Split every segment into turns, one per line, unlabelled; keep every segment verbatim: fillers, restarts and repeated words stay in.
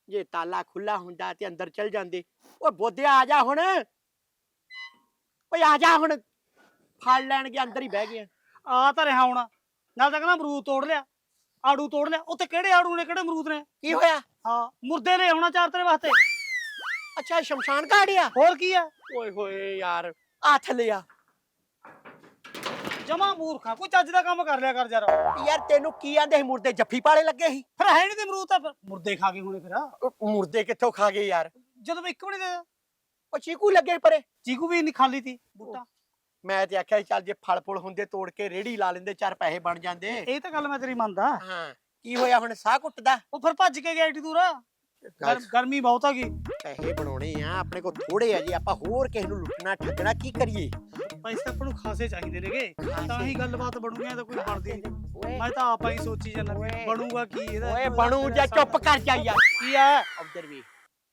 ਜੇ ਤਾਲਾ ਖੁੱਲਾ ਹੁੰਦਾ ਤੇ ਅੰਦਰ ਚਲ ਜਾਂਦੇ। ਓਏ ਬੋਧਿਆ ਆ ਜਾ ਹੁਣ, ਓਏ ਆ ਜਾ ਹੁਣ, ਫੜ ਲੈਣਗੇ ਅੰਦਰ ਹੀ ਬਹਿ ਗਏ।
ਆ ਤਾਂ ਰਿਹਾ ਹੁਣ, ਨਾਲ ਤਾਂ ਕਹਿੰਦਾ ਅਮਰੂਦ ਤੋੜ ਲਿਆ, ਆੜੂ ਤੋੜ ਲਿਆ। ਉੱਥੇ ਕਿਹੜੇ ਆੜੂ ਨੇ, ਕਿਹੜੇ ਅਮਰੂਦ ਨੇ?
ਕੀ ਹੋਇਆ?
ਹਾਂ ਮੁਰਦੇ ਨੇ ਹੋਣਾ ਚਾਰ ਤੇਰੇ ਵਾਸਤੇ।
ਅੱਛਾ ਸ਼ਮਸ਼ਾਨ ਘਾਟ ਆ।
ਹੋਰ ਕੀ ਆ?
ਓਏ ਹੋਏ ਯਾਰ, ਆ ਥੱਲੇ ਆ।
ਜਮਾ ਮੂਰਖਾ, ਕੋਈ ਚੱਜ ਦਾ ਕੰਮ ਕਰ ਲਿਆ ਕਰ ਯਾਰ।
ਯਾਰ ਤੈਨੂੰ ਕੀ ਆਂਦੇ ਸੀ, ਮੁਰਦੇ ਜੱਫੀ ਪਾਲੇ ਲੱਗੇ ਸੀ?
ਫਿਰ ਹੈ ਨਹੀਂ ਤੇ ਅਮਰੂਦ ਤਾਂ ਫਿਰ ਮੁਰਦੇ ਖਾ ਗਏ ਹੋਣੇ। ਫਿਰ
ਉਹ ਮੁਰਦੇ ਕਿੱਥੋਂ ਖਾ ਗਏ ਯਾਰ?
ਜਦੋਂ ਮੈਂ ਇੱਕ ਵੀ ਨਹੀਂ ਦੇ,
ਉਹ ਚੀਕੂ ਲੱਗੇ ਪਰੇ।
ਚੀਕੂ ਵੀ ਨਹੀਂ ਖਾਲੀ ਤੀ ਬੂਟਾ।
ਮੈਂ ਤੇ ਆਖਿਆ ਚੱਲ ਜੇ ਫਲ ਫੁਲ ਹੁੰਦੇ ਤੋੜ ਕੇ ਰੇੜੀ ਲਾ ਲੈਂਦੇ, ਚਾਰ ਪੈਸੇ ਬਣ ਜਾਂਦੇ।
ਇਹ ਤਾਂ ਗੱਲ ਮੈਂ ਤੇਰੀ ਮੰਨਦਾ।
ਹਾਂ ਕੀ ਹੋਇਆ ਹੁਣ, ਸਾਹ ਘੁੱਟਦਾ?
ਉਹ ਫਿਰ ਭੱਜ ਕੇ ਗਿਆ ਏਡੀ ਦੂਰ। ਗਰਮੀ ਬਹੁਤ ਆ ਗਈ।
ਪੈਸੇ ਬਣਾਉਣੇ ਆ ਆਪਣੇ ਕੋਲ, ਥੋੜੇ ਆ ਜੀ। ਆਪਾਂ ਹੋਰ ਕਿਸੇ ਨੂੰ ਲੁੱਟਣਾ ਠੱਗਣਾ ਕੀ ਕਰੀਏ?
ਪੈਸੇ ਆਪਾਂ ਨੂੰ ਖਾਸੇ ਚਾਹੀਦੇ ਨੇਗੇ, ਤਾਂ ਹੀ ਗੱਲਬਾਤ ਬਣੂਗੀ। ਤਾਂ ਕੋਈ ਬਣਦੀ
ਓਏ
ਮੈਂ ਤਾਂ ਆਪਾਂ ਹੀ ਸੋਚੀ ਜਾਂਦਾ ਬਣੂਗਾ ਕੀ ਇਹਦਾ।
ਓਏ ਬਣੂ ਜਾਂ ਚੁੱਪ ਕਰ ਜਾ ਯਾਰ।
ਕੀ ਆ
ਉਧਰ ਵੀ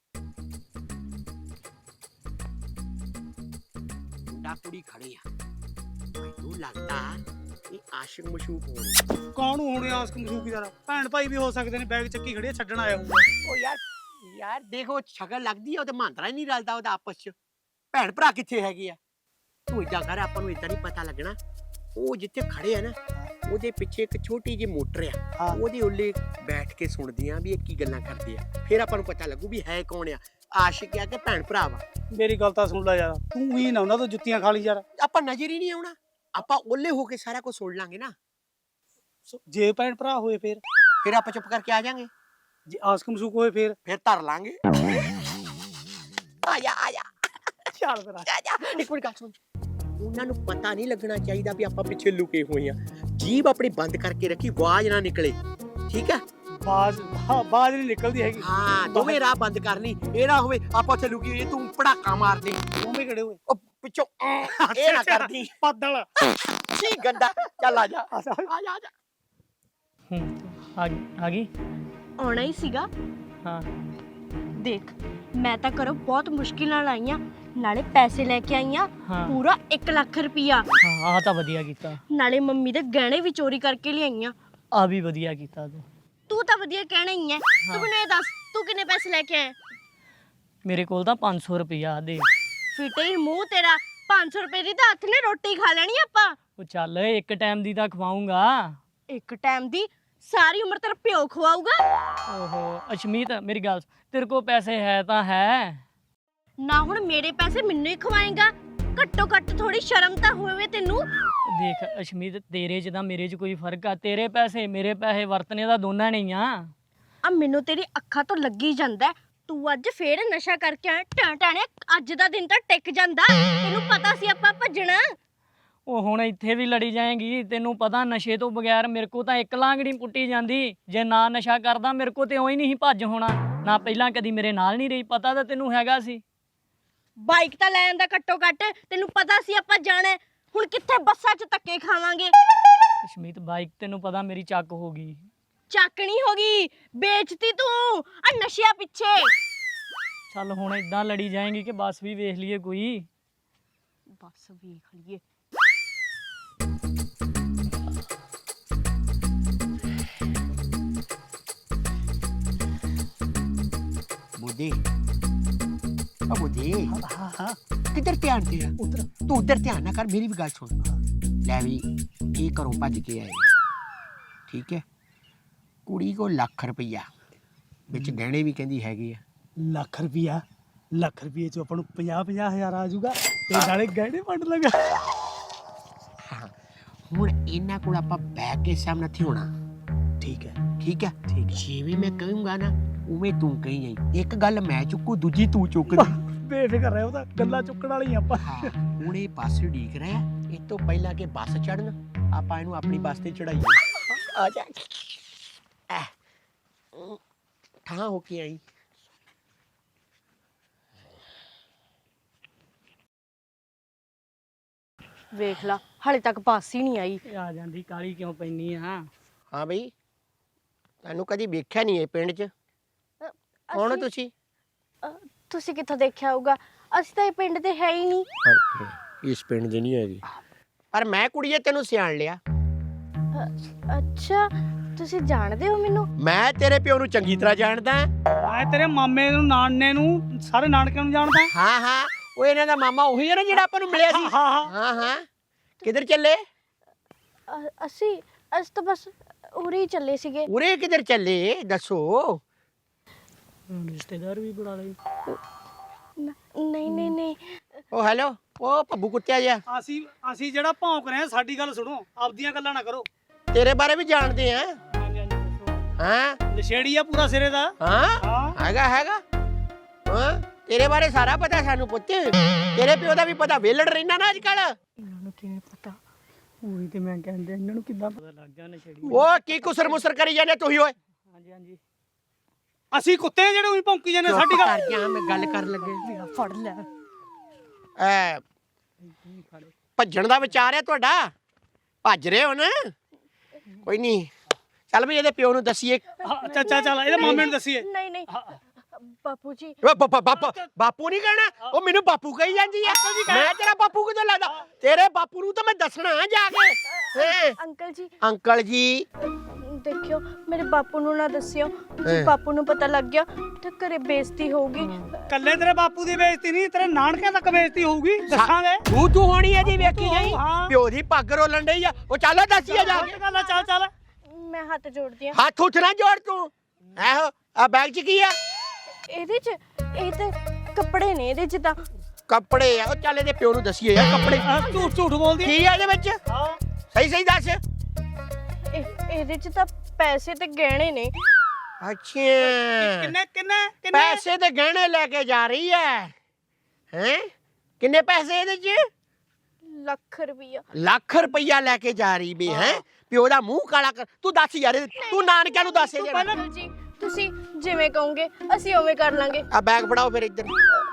ਮੁੰਡਾ ਕੁੜੀ ਖੜੇ ਆ, ਮੈਨੂੰ ਲੱਗਦਾ ਇਹ ਆਸ਼ਿਕ ਮਸ਼ੂਕ ਹੋਣੇ।
ਕੌਣ ਹੋਣੇ ਆਸਕ ਮਸ਼ੂਕ ਯਾਰ? ਭੈਣ ਭਾਈ ਵੀ ਹੋ ਸਕਦੇ ਨੇ, ਬੈਗ ਚੱਕੀ ਖੜੀ ਛੱਡਣ ਆਇਆ ਹੋਊਗਾ।
ਓ ਯਾਰ ਯਾਰ ਦੇਖੋ ਸ਼ਕਲ ਲੱਗਦੀ ਆ, ਉਹਦੇ ਮਾਂਦਰਾ ਹੀ ਨਹੀਂ ਰਲਦਾ ਉਹਦਾ ਆਪਸ ਚ। ਭੈਣ ਭਰਾ ਕਿੱਥੇ ਹੈਗੇ ਆ? ਤੂੰ ਏਦਾਂ ਕਰ, ਆਪਾਂ ਨੂੰ ਏਦਾਂ ਨਹੀਂ ਪਤਾ ਲੱਗਣਾ। ਉਹ ਜਿੱਥੇ ਖੜੇ ਆ ਨਾ, ਉਹਦੇ ਪਿੱਛੇ ਇੱਕ ਛੋਟੀ ਜਿਹੀ ਮੋਟਰ ਆ, ਉਹਦੇ ਉੱਲੇ ਬੈਠ ਕੇ ਸੁਣਦੀਆਂ ਵੀ ਇਹ ਕੀ ਗੱਲਾਂ ਕਰਦੇ ਆ। ਫਿਰ ਆਪਾਂ ਨੂੰ ਪਤਾ ਲੱਗੂ ਵੀ ਹੈ ਕੌਣ ਆ, ਆਸ਼ਿਕ ਆ ਕਿ ਭੈਣ ਭਰਾ ਵਾ।
ਮੇਰੀ ਗੱਲ ਤਾਂ ਸੁਣ ਲੈ ਯਾਰ, ਤੂੰ ਹੀ ਨਾ ਉਹਨਾਂ ਤੋਂ ਜੁੱਤੀਆਂ ਖਾ ਲਈ ਯਾਰ।
ਆਪਾਂ ਨਜ਼ਰ ਹੀ ਨਹੀਂ ਆਉਣਾ, ਆਪਾਂ ਓਲੇ ਹੋ ਕੇ ਸਾਰਾ ਕੁਝ ਸੁਣ ਲਾਂਗੇ ਨਾ।
ਜੇ ਭੈਣ ਭਰਾ ਹੋਏ ਫਿਰ
ਫਿਰ ਆਪਾਂ ਚੁੱਪ ਕਰਕੇ ਆ ਜਾਾਂਗੇ।
ਜੇ ਆਸਕ ਮਸ਼ੂਕ ਹੋਏ ਫਿਰ
ਫਿਰ ਧਰ ਲਾਂਗੇ। ਆ ਜਾ ਆ ਜਾ
ਚੱਲ ਫਿਰ
ਆ ਜਾ। ਇੱਕ ਮਿੰਟ ਗੱਲ ਸੁਣ, ਉਹਨਾਂ ਨੂੰ ਪਤਾ ਨਹੀਂ ਲੱਗਣਾ ਚਾਹੀਦਾ ਵੀ ਆਪਾਂ ਪਿੱਛੇ ਲੁਕੇ ਹੋਏ ਆ। ਜੀਭ ਆਪਣੀ ਬੰਦ ਕਰਕੇ ਰੱਖੀ, ਆਵਾਜ਼ ਨਾ ਨਿਕਲੇ, ਠੀਕ ਹੈ?
ਬਾਜ਼ ਬਾਜ਼ ਨਹੀਂ ਨਿਕਲਦੀ ਹੈਗੀ।
ਹਾਂ ਦੋਵੇਂ ਰਾਹ ਬੰਦ ਕਰਨੀ, ਇਹ ਨਾ ਹੋਵੇ ਆਪਾਂ ਉੱਥੇ ਲੁਕੀ ਤੂੰ ਪੜਾਕਾ ਮਾਰ ਦੇ।
ਦੋਵੇਂ ਕਿਹੜੇ ਹੋਏ?
ਉਹ ਪਿੱਛੋਂ ਇਹ ਨਾ ਕਰਦੀ
ਪੱਦਲ
ਕੀ ਗੰਦਾ। ਚੱਲ ਆ ਜਾ ਆ ਜਾ ਆ ਜਾ।
ਹੂੰ ਆ ਆ ਗਈ।
ਆਉਣਾ ਹੀ ਸੀਗਾ।
ਹਾਂ
ਦੇਖ, ਮੈਂ ਤਾਂ ਘਰੋਂ ਬਹੁਤ ਮੁਸ਼ਕਿਲ ਨਾਲ ਆਈ ਆਂ, ਨਾਲੇ ਪੈਸੇ ਲੈ ਕੇ ਆਈ ਆਂ ਪੂਰਾ ਇੱਕ ਲੱਖ ਰੁਪਈਆ।
ਹਾਂ ਆ ਤਾਂ ਵਧੀਆ ਕੀਤਾ।
ਨਾਲੇ ਮੰਮੀ ਦੇ ਗਹਿਣੇ ਵੀ ਚੋਰੀ ਕਰਕੇ ਲਿਆਈ ਆਂ।
ਆ ਵੀ ਵਧੀਆ ਕੀਤਾ ਤੂੰ।
ਤੂੰ ਤਾਂ ਵਧੀਆ ਕਹਿਣਾ ਹੀ ਐ। ਤੂੰ ਮੈਨੂੰ ਇਹ ਦੱਸ, ਤੂੰ ਕਿੰਨੇ ਪੈਸੇ ਲੈ ਕੇ ਆਇਆ?
ਮੇਰੇ ਕੋਲ ਤਾਂ ਪੰਜ ਸੌ ਰੁਪਇਆ ਦੇ।
ਫਿੱਟੇ ਹੀ ਮੂੰਹ ਤੇਰਾ, ਪੰਜ ਸੌ ਰੁਪਏ ਦੀ ਤਾਂ ਹੱਥ ਨੇ ਰੋਟੀ ਖਾ ਲੈਣੀ ਆਪਾਂ।
ਉਹ ਚੱਲ ਇੱਕ ਟਾਈਮ ਦੀ ਤਾਂ ਖਵਾਉਂਗਾ।
ਇੱਕ ਟਾਈਮ ਦੀ? ਸਾਰੀ ਉਮਰ ਤੇਰਾ ਪਿਓ ਖਵਾਊਗਾ।
ਓਹੋ ਅਸ਼ਮੀਤ ਮੇਰੀ ਗੱਲ, ਤੇਰੇ ਕੋਲ ਪੈਸੇ ਹੈ ਤਾਂ ਹੈ
ਨਾ। ਹੁਣ ਮੇਰੇ ਪੈਸੇ ਮੈਨੂੰ ਹੀ ਖਵਾਏਗਾ? ਘੱਟੋ ਘੱਟ ਥੋੜੀ ਸ਼ਰਮ ਤਾਂ ਹੋਵੇ ਤੈਨੂੰ।
ਦੇਖ ਅਸ਼ਮੀਤ, ਤੇਰੇ 'ਚ ਤਾਂ ਮੇਰੇ 'ਚ ਕੋਈ ਫਰਕ ਆ? ਤੇਰੇ ਪੈਸੇ ਮੇਰੇ ਪੈਸੇ ਵਰਤਨੇ ਦਾ ਦੋਨਾਂ ਨੇ ਆ।
ਆ ਮੈਨੂੰ ਤੇਰੀ ਅੱਖਾਂ ਤੋਂ ਲੱਗੀ ਜਾਂਦਾ, ਤੂੰ ਅੱਜ ਫੇਰ ਨਸ਼ਾ ਕਰਕੇ ਆਇਆ। ਟਾਂ ਟਾਣੇ ਅੱਜ ਦਾ ਦਿਨ ਤਾਂ ਟਿਕ ਜਾਂਦਾ। ਤੈਨੂੰ ਪਤਾ ਸੀ ਆਪਾਂ ਭੱਜਣਾ।
ਉਹ ਹੁਣ ਇੱਥੇ ਵੀ ਲੜੀ ਜਾਏਗੀ। ਤੈਨੂੰ ਪਤਾ ਨਸ਼ੇ ਤੋਂ ਬਗੈਰ ਮੇਰੇ ਕੋ ਤਾਂ ਇੱਕ ਲਾਂਗੜੀ ਪੁੱਟੀ ਜਾਂਦੀ। ਜੇ ਨਾ ਨਸ਼ਾ ਕਰਦਾ ਮੇਰੇ ਕੋ ਤੇ ਉਹੀ ਨਹੀਂ ਭੱਜ ਹੋਣਾ। ਨਾ ਪਹਿਲਾਂ ਕਦੀ ਮੇਰੇ ਨਾਲ ਨਹੀਂ ਰਹੀ, ਪਤਾ ਤਾਂ ਤੈਨੂੰ ਹੈਗਾ ਸੀ।
ਬਾਈਕ ਤਾਂ ਲੈ ਆਂਦਾ ਘੱਟੋ ਘੱਟ, ਤੈਨੂੰ ਪਤਾ ਸੀ ਆਪਾਂ ਜਾਣਾ। ਹੁਣ ਕਿੱਥੇ ਬੱਸਾਂ 'ਚ ਧੱਕੇ ਖਾਵਾਂਗੇ।
ਅਸ਼ਮੀਤ ਬਾਈਕ ਤੈਨੂੰ ਪਤਾ ਮੇਰੀ ਚੱਕ ਹੋ ਗਈ।
ਚੱਕਣੀ ਹੋ ਗਈ, ਵੇਚਤੀ ਤੂੰ ਆ ਨਸ਼ਿਆਂ ਪਿੱਛੇ।
ਚੱਲ ਹੁਣ ਇਦਾਂ ਲੜੀ ਜਾਏਗੀ ਕਿ ਬੱਸ ਵੀ ਵੇਖ ਲਈਏ ਕੋਈ।
ਬੱਸ ਵੇਖ ਲਈਏ।
ਬੁੱਧੀ ਆ ਬੁੱਧੀ,
ਹਾਂ ਹਾਂ
ਕਿੱਧਰ ਧਿਆਨ ਤੇ ਆ?
ਉਧਰ
ਤੂੰ ਉਧਰ ਧਿਆਨ ਨਾ ਕਰ, ਮੇਰੀ ਵੀ ਗੱਲ ਸੁਣ। ਲੈ ਵੀ ਇਹ ਘਰੋਂ ਭੱਜ ਕੇ ਆਏ, ਠੀਕ ਹੈ? ਕੁੜੀ ਕੋ ਲੱਖ ਰੁਪਈਆ ਵਿੱਚ ਗਹਿਣੇ ਵੀ ਕਹਿੰਦੀ ਹੈਗੇ ਆ।
ਲੱਖ ਰੁਪਿਆ? ਲੱਖ ਰੁਪਏ 'ਚ ਆਪਾਂ ਨੂੰ ਪੰਜਾਹ ਪੰਜਾਹ ਹਜ਼ਾਰ ਆ ਜਾਊਗਾ ਤੇ ਨਾਲੇ ਗਹਿਣੇ ਵੰਡ ਲਗਾ।
ਹਾਂ ਹੁਣ ਇਹਨਾਂ ਕੋਲ ਆਪਾਂ ਬੈਠ ਕੇ ਸਾਹਮਣੇ ਨਹੀਂ ਹੋਣਾ,
ਠੀਕ ਹੈ
ਠੀਕ ਹੈ?
ਠੀਕ।
ਜਿਵੇਂ ਮੈਂ ਕਹੂੰਗਾ ਨਾ ਉਵੇਂ ਤੂੰ ਕਹੀ ਜਾਈਂ। ਇੱਕ ਗੱਲ ਮੈਂ ਚੁੱਕੂ, ਦੂਜੀ ਤੂੰ ਚੁੱਕਦੀ।
ਬੇਫਿਕਰ ਰਹਿ, ਉਹ ਤਾਂ ਗੱਲਾਂ ਚੁੱਕਣ ਵਾਲੀ ਆਪਾਂ।
ਹਾਂ ਹੁਣ ਇਹ ਬੱਸ ਢੀਕ ਰਿਹਾ, ਇਹ ਤੋਂ ਪਹਿਲਾਂ ਕਿ ਬੱਸ ਚੜਨ ਆਪਾਂ ਇਹਨੂੰ ਆਪਣੀ ਬੱਸ ਤੇ ਚੜਾਈਏ। ਆ ਜਾ ਠਾਂ ਹੋ ਕੇ ਆਈ।
ਵੇਖ ਲਾ, ਹਾਲੇ ਤੱਕ ਬੱਸ ਹੀ ਨਹੀਂ ਆਈ।
ਆ ਜਾਂਦੀ, ਕਾਲੀ ਕਿਉਂ ਪੈਣੀ ਆ?
ਹਾਂ ਬਈ, ਤੈਨੂੰ ਕਦੀ ਵੇਖਿਆ ਨਹੀਂ ਇਹ ਪਿੰਡ 'ਚ। ਕੌਣ ਹੋ ਤੁਸੀਂ?
ਤੁਸੀਂ ਕਿੱਥੋਂ ਦੇਖਿਆ ਹੋਊਗਾ? ਅਸੀਂ ਤਾਂ ਇਹ ਪਿੰਡ ਦੇ ਹੈ ਹੀ ਨਹੀਂ।
ਇਸ ਪਿੰਡ ਦੇ ਨਹੀਂ ਹੈਗੀ, ਪਰ ਮੈਂ ਕੁੜੀਏ ਤੈਨੂੰ ਸਿਆਣ ਲਿਆ।
ਅੱਛਾ, ਤੁਸੀਂ ਜਾਣਦੇ ਹੋ ਮੈਨੂੰ?
ਮੈਂ ਤੇਰੇ ਪਿਓ ਨੂੰ ਚੰਗੀ ਤਰ੍ਹਾਂ ਜਾਣਦਾ।
ਮੈਂ ਤੇਰੇ ਮਾਮੇ ਨੂੰ ਨਾਨੇ ਨੂੰ ਸਾਰੇ ਨਾਨਕਿਆਂ ਨੂੰ ਜਾਣਦਾ।
ਹਾਂ ਹਾਂ ਉਹ ਇਹਨਾਂ ਦਾ ਮਾਮਾ ਉਹੀ ਹੈ ਨਾ ਜਿਹੜਾ ਆਪਾਂ ਨੂੰ ਮਿਲਿਆ ਸੀ।
ਹਾਂ ਹਾਂ
ਹਾਂ ਹਾਂ ਕਿੱਧਰ ਚੱਲੇ?
ਅ- ਅਸੀਂ ਅਸੀਂ ਤਾਂ ਬਸ ਉਰੇ ਹੀ ਚੱਲੇ ਸੀਗੇ।
ਉਰੇ ਕਿੱਧਰ ਚੱਲੇ ਦੱਸੋ?
ਰਿਸ਼ਤੇਦਾਰ ਵੀ ਬੁਲਾ ਲਈ।
ਨ- ਨਹੀਂ ਨਹੀਂ ਨਹੀਂ
ਉਹ ਹੈਲੋ ਉਹ ਭੱਬੂ ਕੁੱਤਿਆ ਜਿਹਾ
ਅਸੀਂ ਅਸੀਂ ਜਿਹੜਾ ਭੌਂਕ ਰਹੇ ਹਾਂ ਸਾਡੀ ਗੱਲ ਸੁਣੋ, ਆਪਦੀਆਂ ਗੱਲਾਂ ਨਾ ਕਰੋ।
ਤੇਰੇ ਬਾਰੇ ਵੀ ਜਾਣਦੇ ਆ।
ਹਾਂਜੀ ਹਾਂਜੀ ਦੱਸੋ।
ਹਾਂ
ਨਸ਼ੇੜੀ ਆ ਪੂਰਾ ਸਿਰੇ ਦਾ।
ਹਾਂ
ਹਾਂ
ਹੈਗਾ ਹੈਗਾ ਹਾਂ ਤੇਰੇ ਬਾਰੇ ਸਾਰਾ ਪਤਾ ਸਾਨੂੰ ਪੁੱਤ। ਤੇਰੇ ਪਿਓ ਦਾ ਵੀ ਪਤਾ, ਵੇਲੜ ਰਹਿਣਾ ਨਾ ਅੱਜ ਕੱਲ।
ਇਹਨਾਂ ਨੂੰ ਕਿਵੇਂ ਪਤਾ? ਉਹੀ ਤੇ ਮੈਂ ਕਹਿੰਦਾ ਇਹਨਾਂ ਨੂੰ ਕਿੱਦਾਂ ਪਤਾ ਲੱਗ ਗਿਆ ਨਸ਼ੇੜੀ।
ਉਹ ਕੀ ਕੁਸਰ ਮੁਸਰ ਕਰੀ ਜਾਂਦੇ ਤੁਸੀਂ ਓਏ?
ਹਾਂਜੀ ਹਾਂਜੀ
ਅਸੀਂ ਕੁੱਤੇ ਆ ਜਿਹੜੇ ਉਹੀ ਭੌਂਕੀ ਜਾਂਦੇ ਸਾਡੀ
ਚੁੱਪ
ਗੱਲ।
ਕਰ ਗਿਆ ਮੈਂ ਗੱਲ ਕਰਨ ਲੱਗੇ।
ਫੜ ਲੈ।
ਐ ਭੱਜਣ ਦਾ ਵਿਚਾਰ ਹੈ ਤੁਹਾਡਾ? ਭੱਜ ਰਹੇ ਹੋ ਨਾ? ਕੋਈ ਨਹੀਂ ਚੱਲ ਵੀ ਇਹਦੇ ਪਿਓ ਨੂੰ ਦਸੀਏ।
ਹਾਂ, ਚੱਲ ਚੱਲ ਚੱਲ ਇਹਦੇ ਮਾਮੇ ਨੂੰ ਦੱਸੀਏ।
ਨਹੀਂ ਨਹੀਂ ਬਾਪੂ ਜੀ
ਓ ਬਾਪਾ ਬਾਪਾ ਬਾਪੂ ਨਹੀਂ ਕਹਿਣਾ, ਉਹ ਮੈਨੂੰ ਬਾਪੂ ਕਹੀ ਜਾਂਦੀ ਆ। ਮੈਂ ਤੇਰਾ ਬਾਪੂ ਕਿਦੋਂ ਲੱਗਦਾ? ਤੇਰੇ ਬਾਪੂ ਨੂੰ ਤਾਂ ਮੈਂ ਦੱਸਣਾ ਜਾ ਕੇ। ਹੈਂ?
ਅੰਕਲ ਜੀ
ਅੰਕਲ ਜੀ
ਦੇਖਿਓ ਮੇਰੇ ਬਾਪੂ ਨੂੰ ਨਾ ਦੱਸਿਓ।
ਹੈਂ।
ਜੇ ਬਾਪੂ ਨੂੰ ਪਤਾ ਲੱਗ ਗਿਆ ਤਾਂ ਘਰੇ ਬੇਇੱਜ਼ਤੀ ਹੋਊਗੀ।
ਕੱਲੇ ਤੇਰੇ ਬਾਪੂ ਦੀ ਬੇਇੱਜ਼ਤੀ ਨਹੀਂ, ਤੇਰੇ ਨਾਨਕਿਆਂ ਤੱਕ ਬੇਇੱਜ਼ਤੀ ਹੋਊਗੀ। ਦੱਸਾਂਗੇ।
ਤੂੰ ਤੂੰ ਹੋਣੀ ਹੈ ਜੀ, ਵੇਖੀ ਜਾਈ।
ਹਾਂ।
ਪਿਓ ਦੀ ਪੱਗ ਰੋਲਣ ਡਈ ਆ। ਉਹ ਚੱਲ ਦੱਸੀਏ ਜਾ ਕੇ।
ਗੱਲ ਆ, ਚੱਲ ਚੱਲ।
ਮੈਂ ਹੱਥ ਜੋੜਦੀ ਆ।
ਹੱਥ ਉੱਠ ਨਾ ਜੋੜ ਤੂੰ। ਇਹੋ ਆ ਬੈਗ 'ਚ ਕੀ ਆ?
ਇਹਦੇ ਚ ਇਹ ਤੇ ਕੱਪੜੇ ਨੇ। ਇਹਦੇ ਚ ਤਾਂ
ਕੱਪੜੇ ਆ। ਉਹ ਚੱਲ ਇਹਦੇ ਪਿਓ ਨੂੰ ਦਸੀਏ ਯਾਰ ਕੱਪੜੇ
ਆਹ, ਝੂਠ ਝੂਠ ਬੋਲਦੀ ਆ।
ਕੀ ਆ ਇਹਦੇ ਵਿੱਚ?
ਹਾਂ
ਸਹੀ ਸਹੀ ਦੱਸ।
ਇਹ- ਇਹਦੇ ਚ ਤਾਂ ਪੈਸੇ ਤੇ ਗਹਿਣੇ ਨੇ।
ਅੱਛਾ
ਕਿੰਨੇ ਕਿੰਨੇ ਕਿੰਨੇ?
ਪੈਸੇ ਤੇ ਗਹਿਣੇ ਲੈ ਕੇ ਜਾ ਰਹੀ ਹੈ ਹੈ? ਕਿੰਨੇ ਪੈਸੇ ਇਹਦੇ 'ਚ?
ਲੱਖ ਰੁਪਈਆ।
ਲੱਖ ਰੁਪਈਆ ਲੈ ਕੇ ਜਾ ਰਹੀ ਵੀ ਹੈ। ਪਿਓ ਦਾ ਮੂੰਹ ਕਾਲਾ ਕਰ। ਤੂੰ ਦੱਸ ਯਾਰ, ਤੂੰ ਨਾਨਕਿਆਂ ਨੂੰ ਦੱਸ ਯਾਰ।
ਅੰਕਲ ਜੀ ਤੁਸੀਂ ਜਿਵੇਂ ਕਹੋਗੇ ਅਸੀਂ ਉਵੇਂ ਕਰ ਲਾਂਗੇ।
ਆ ਬੈਗ ਫੜਾਓ ਫਿਰ ਇੱਧਰ।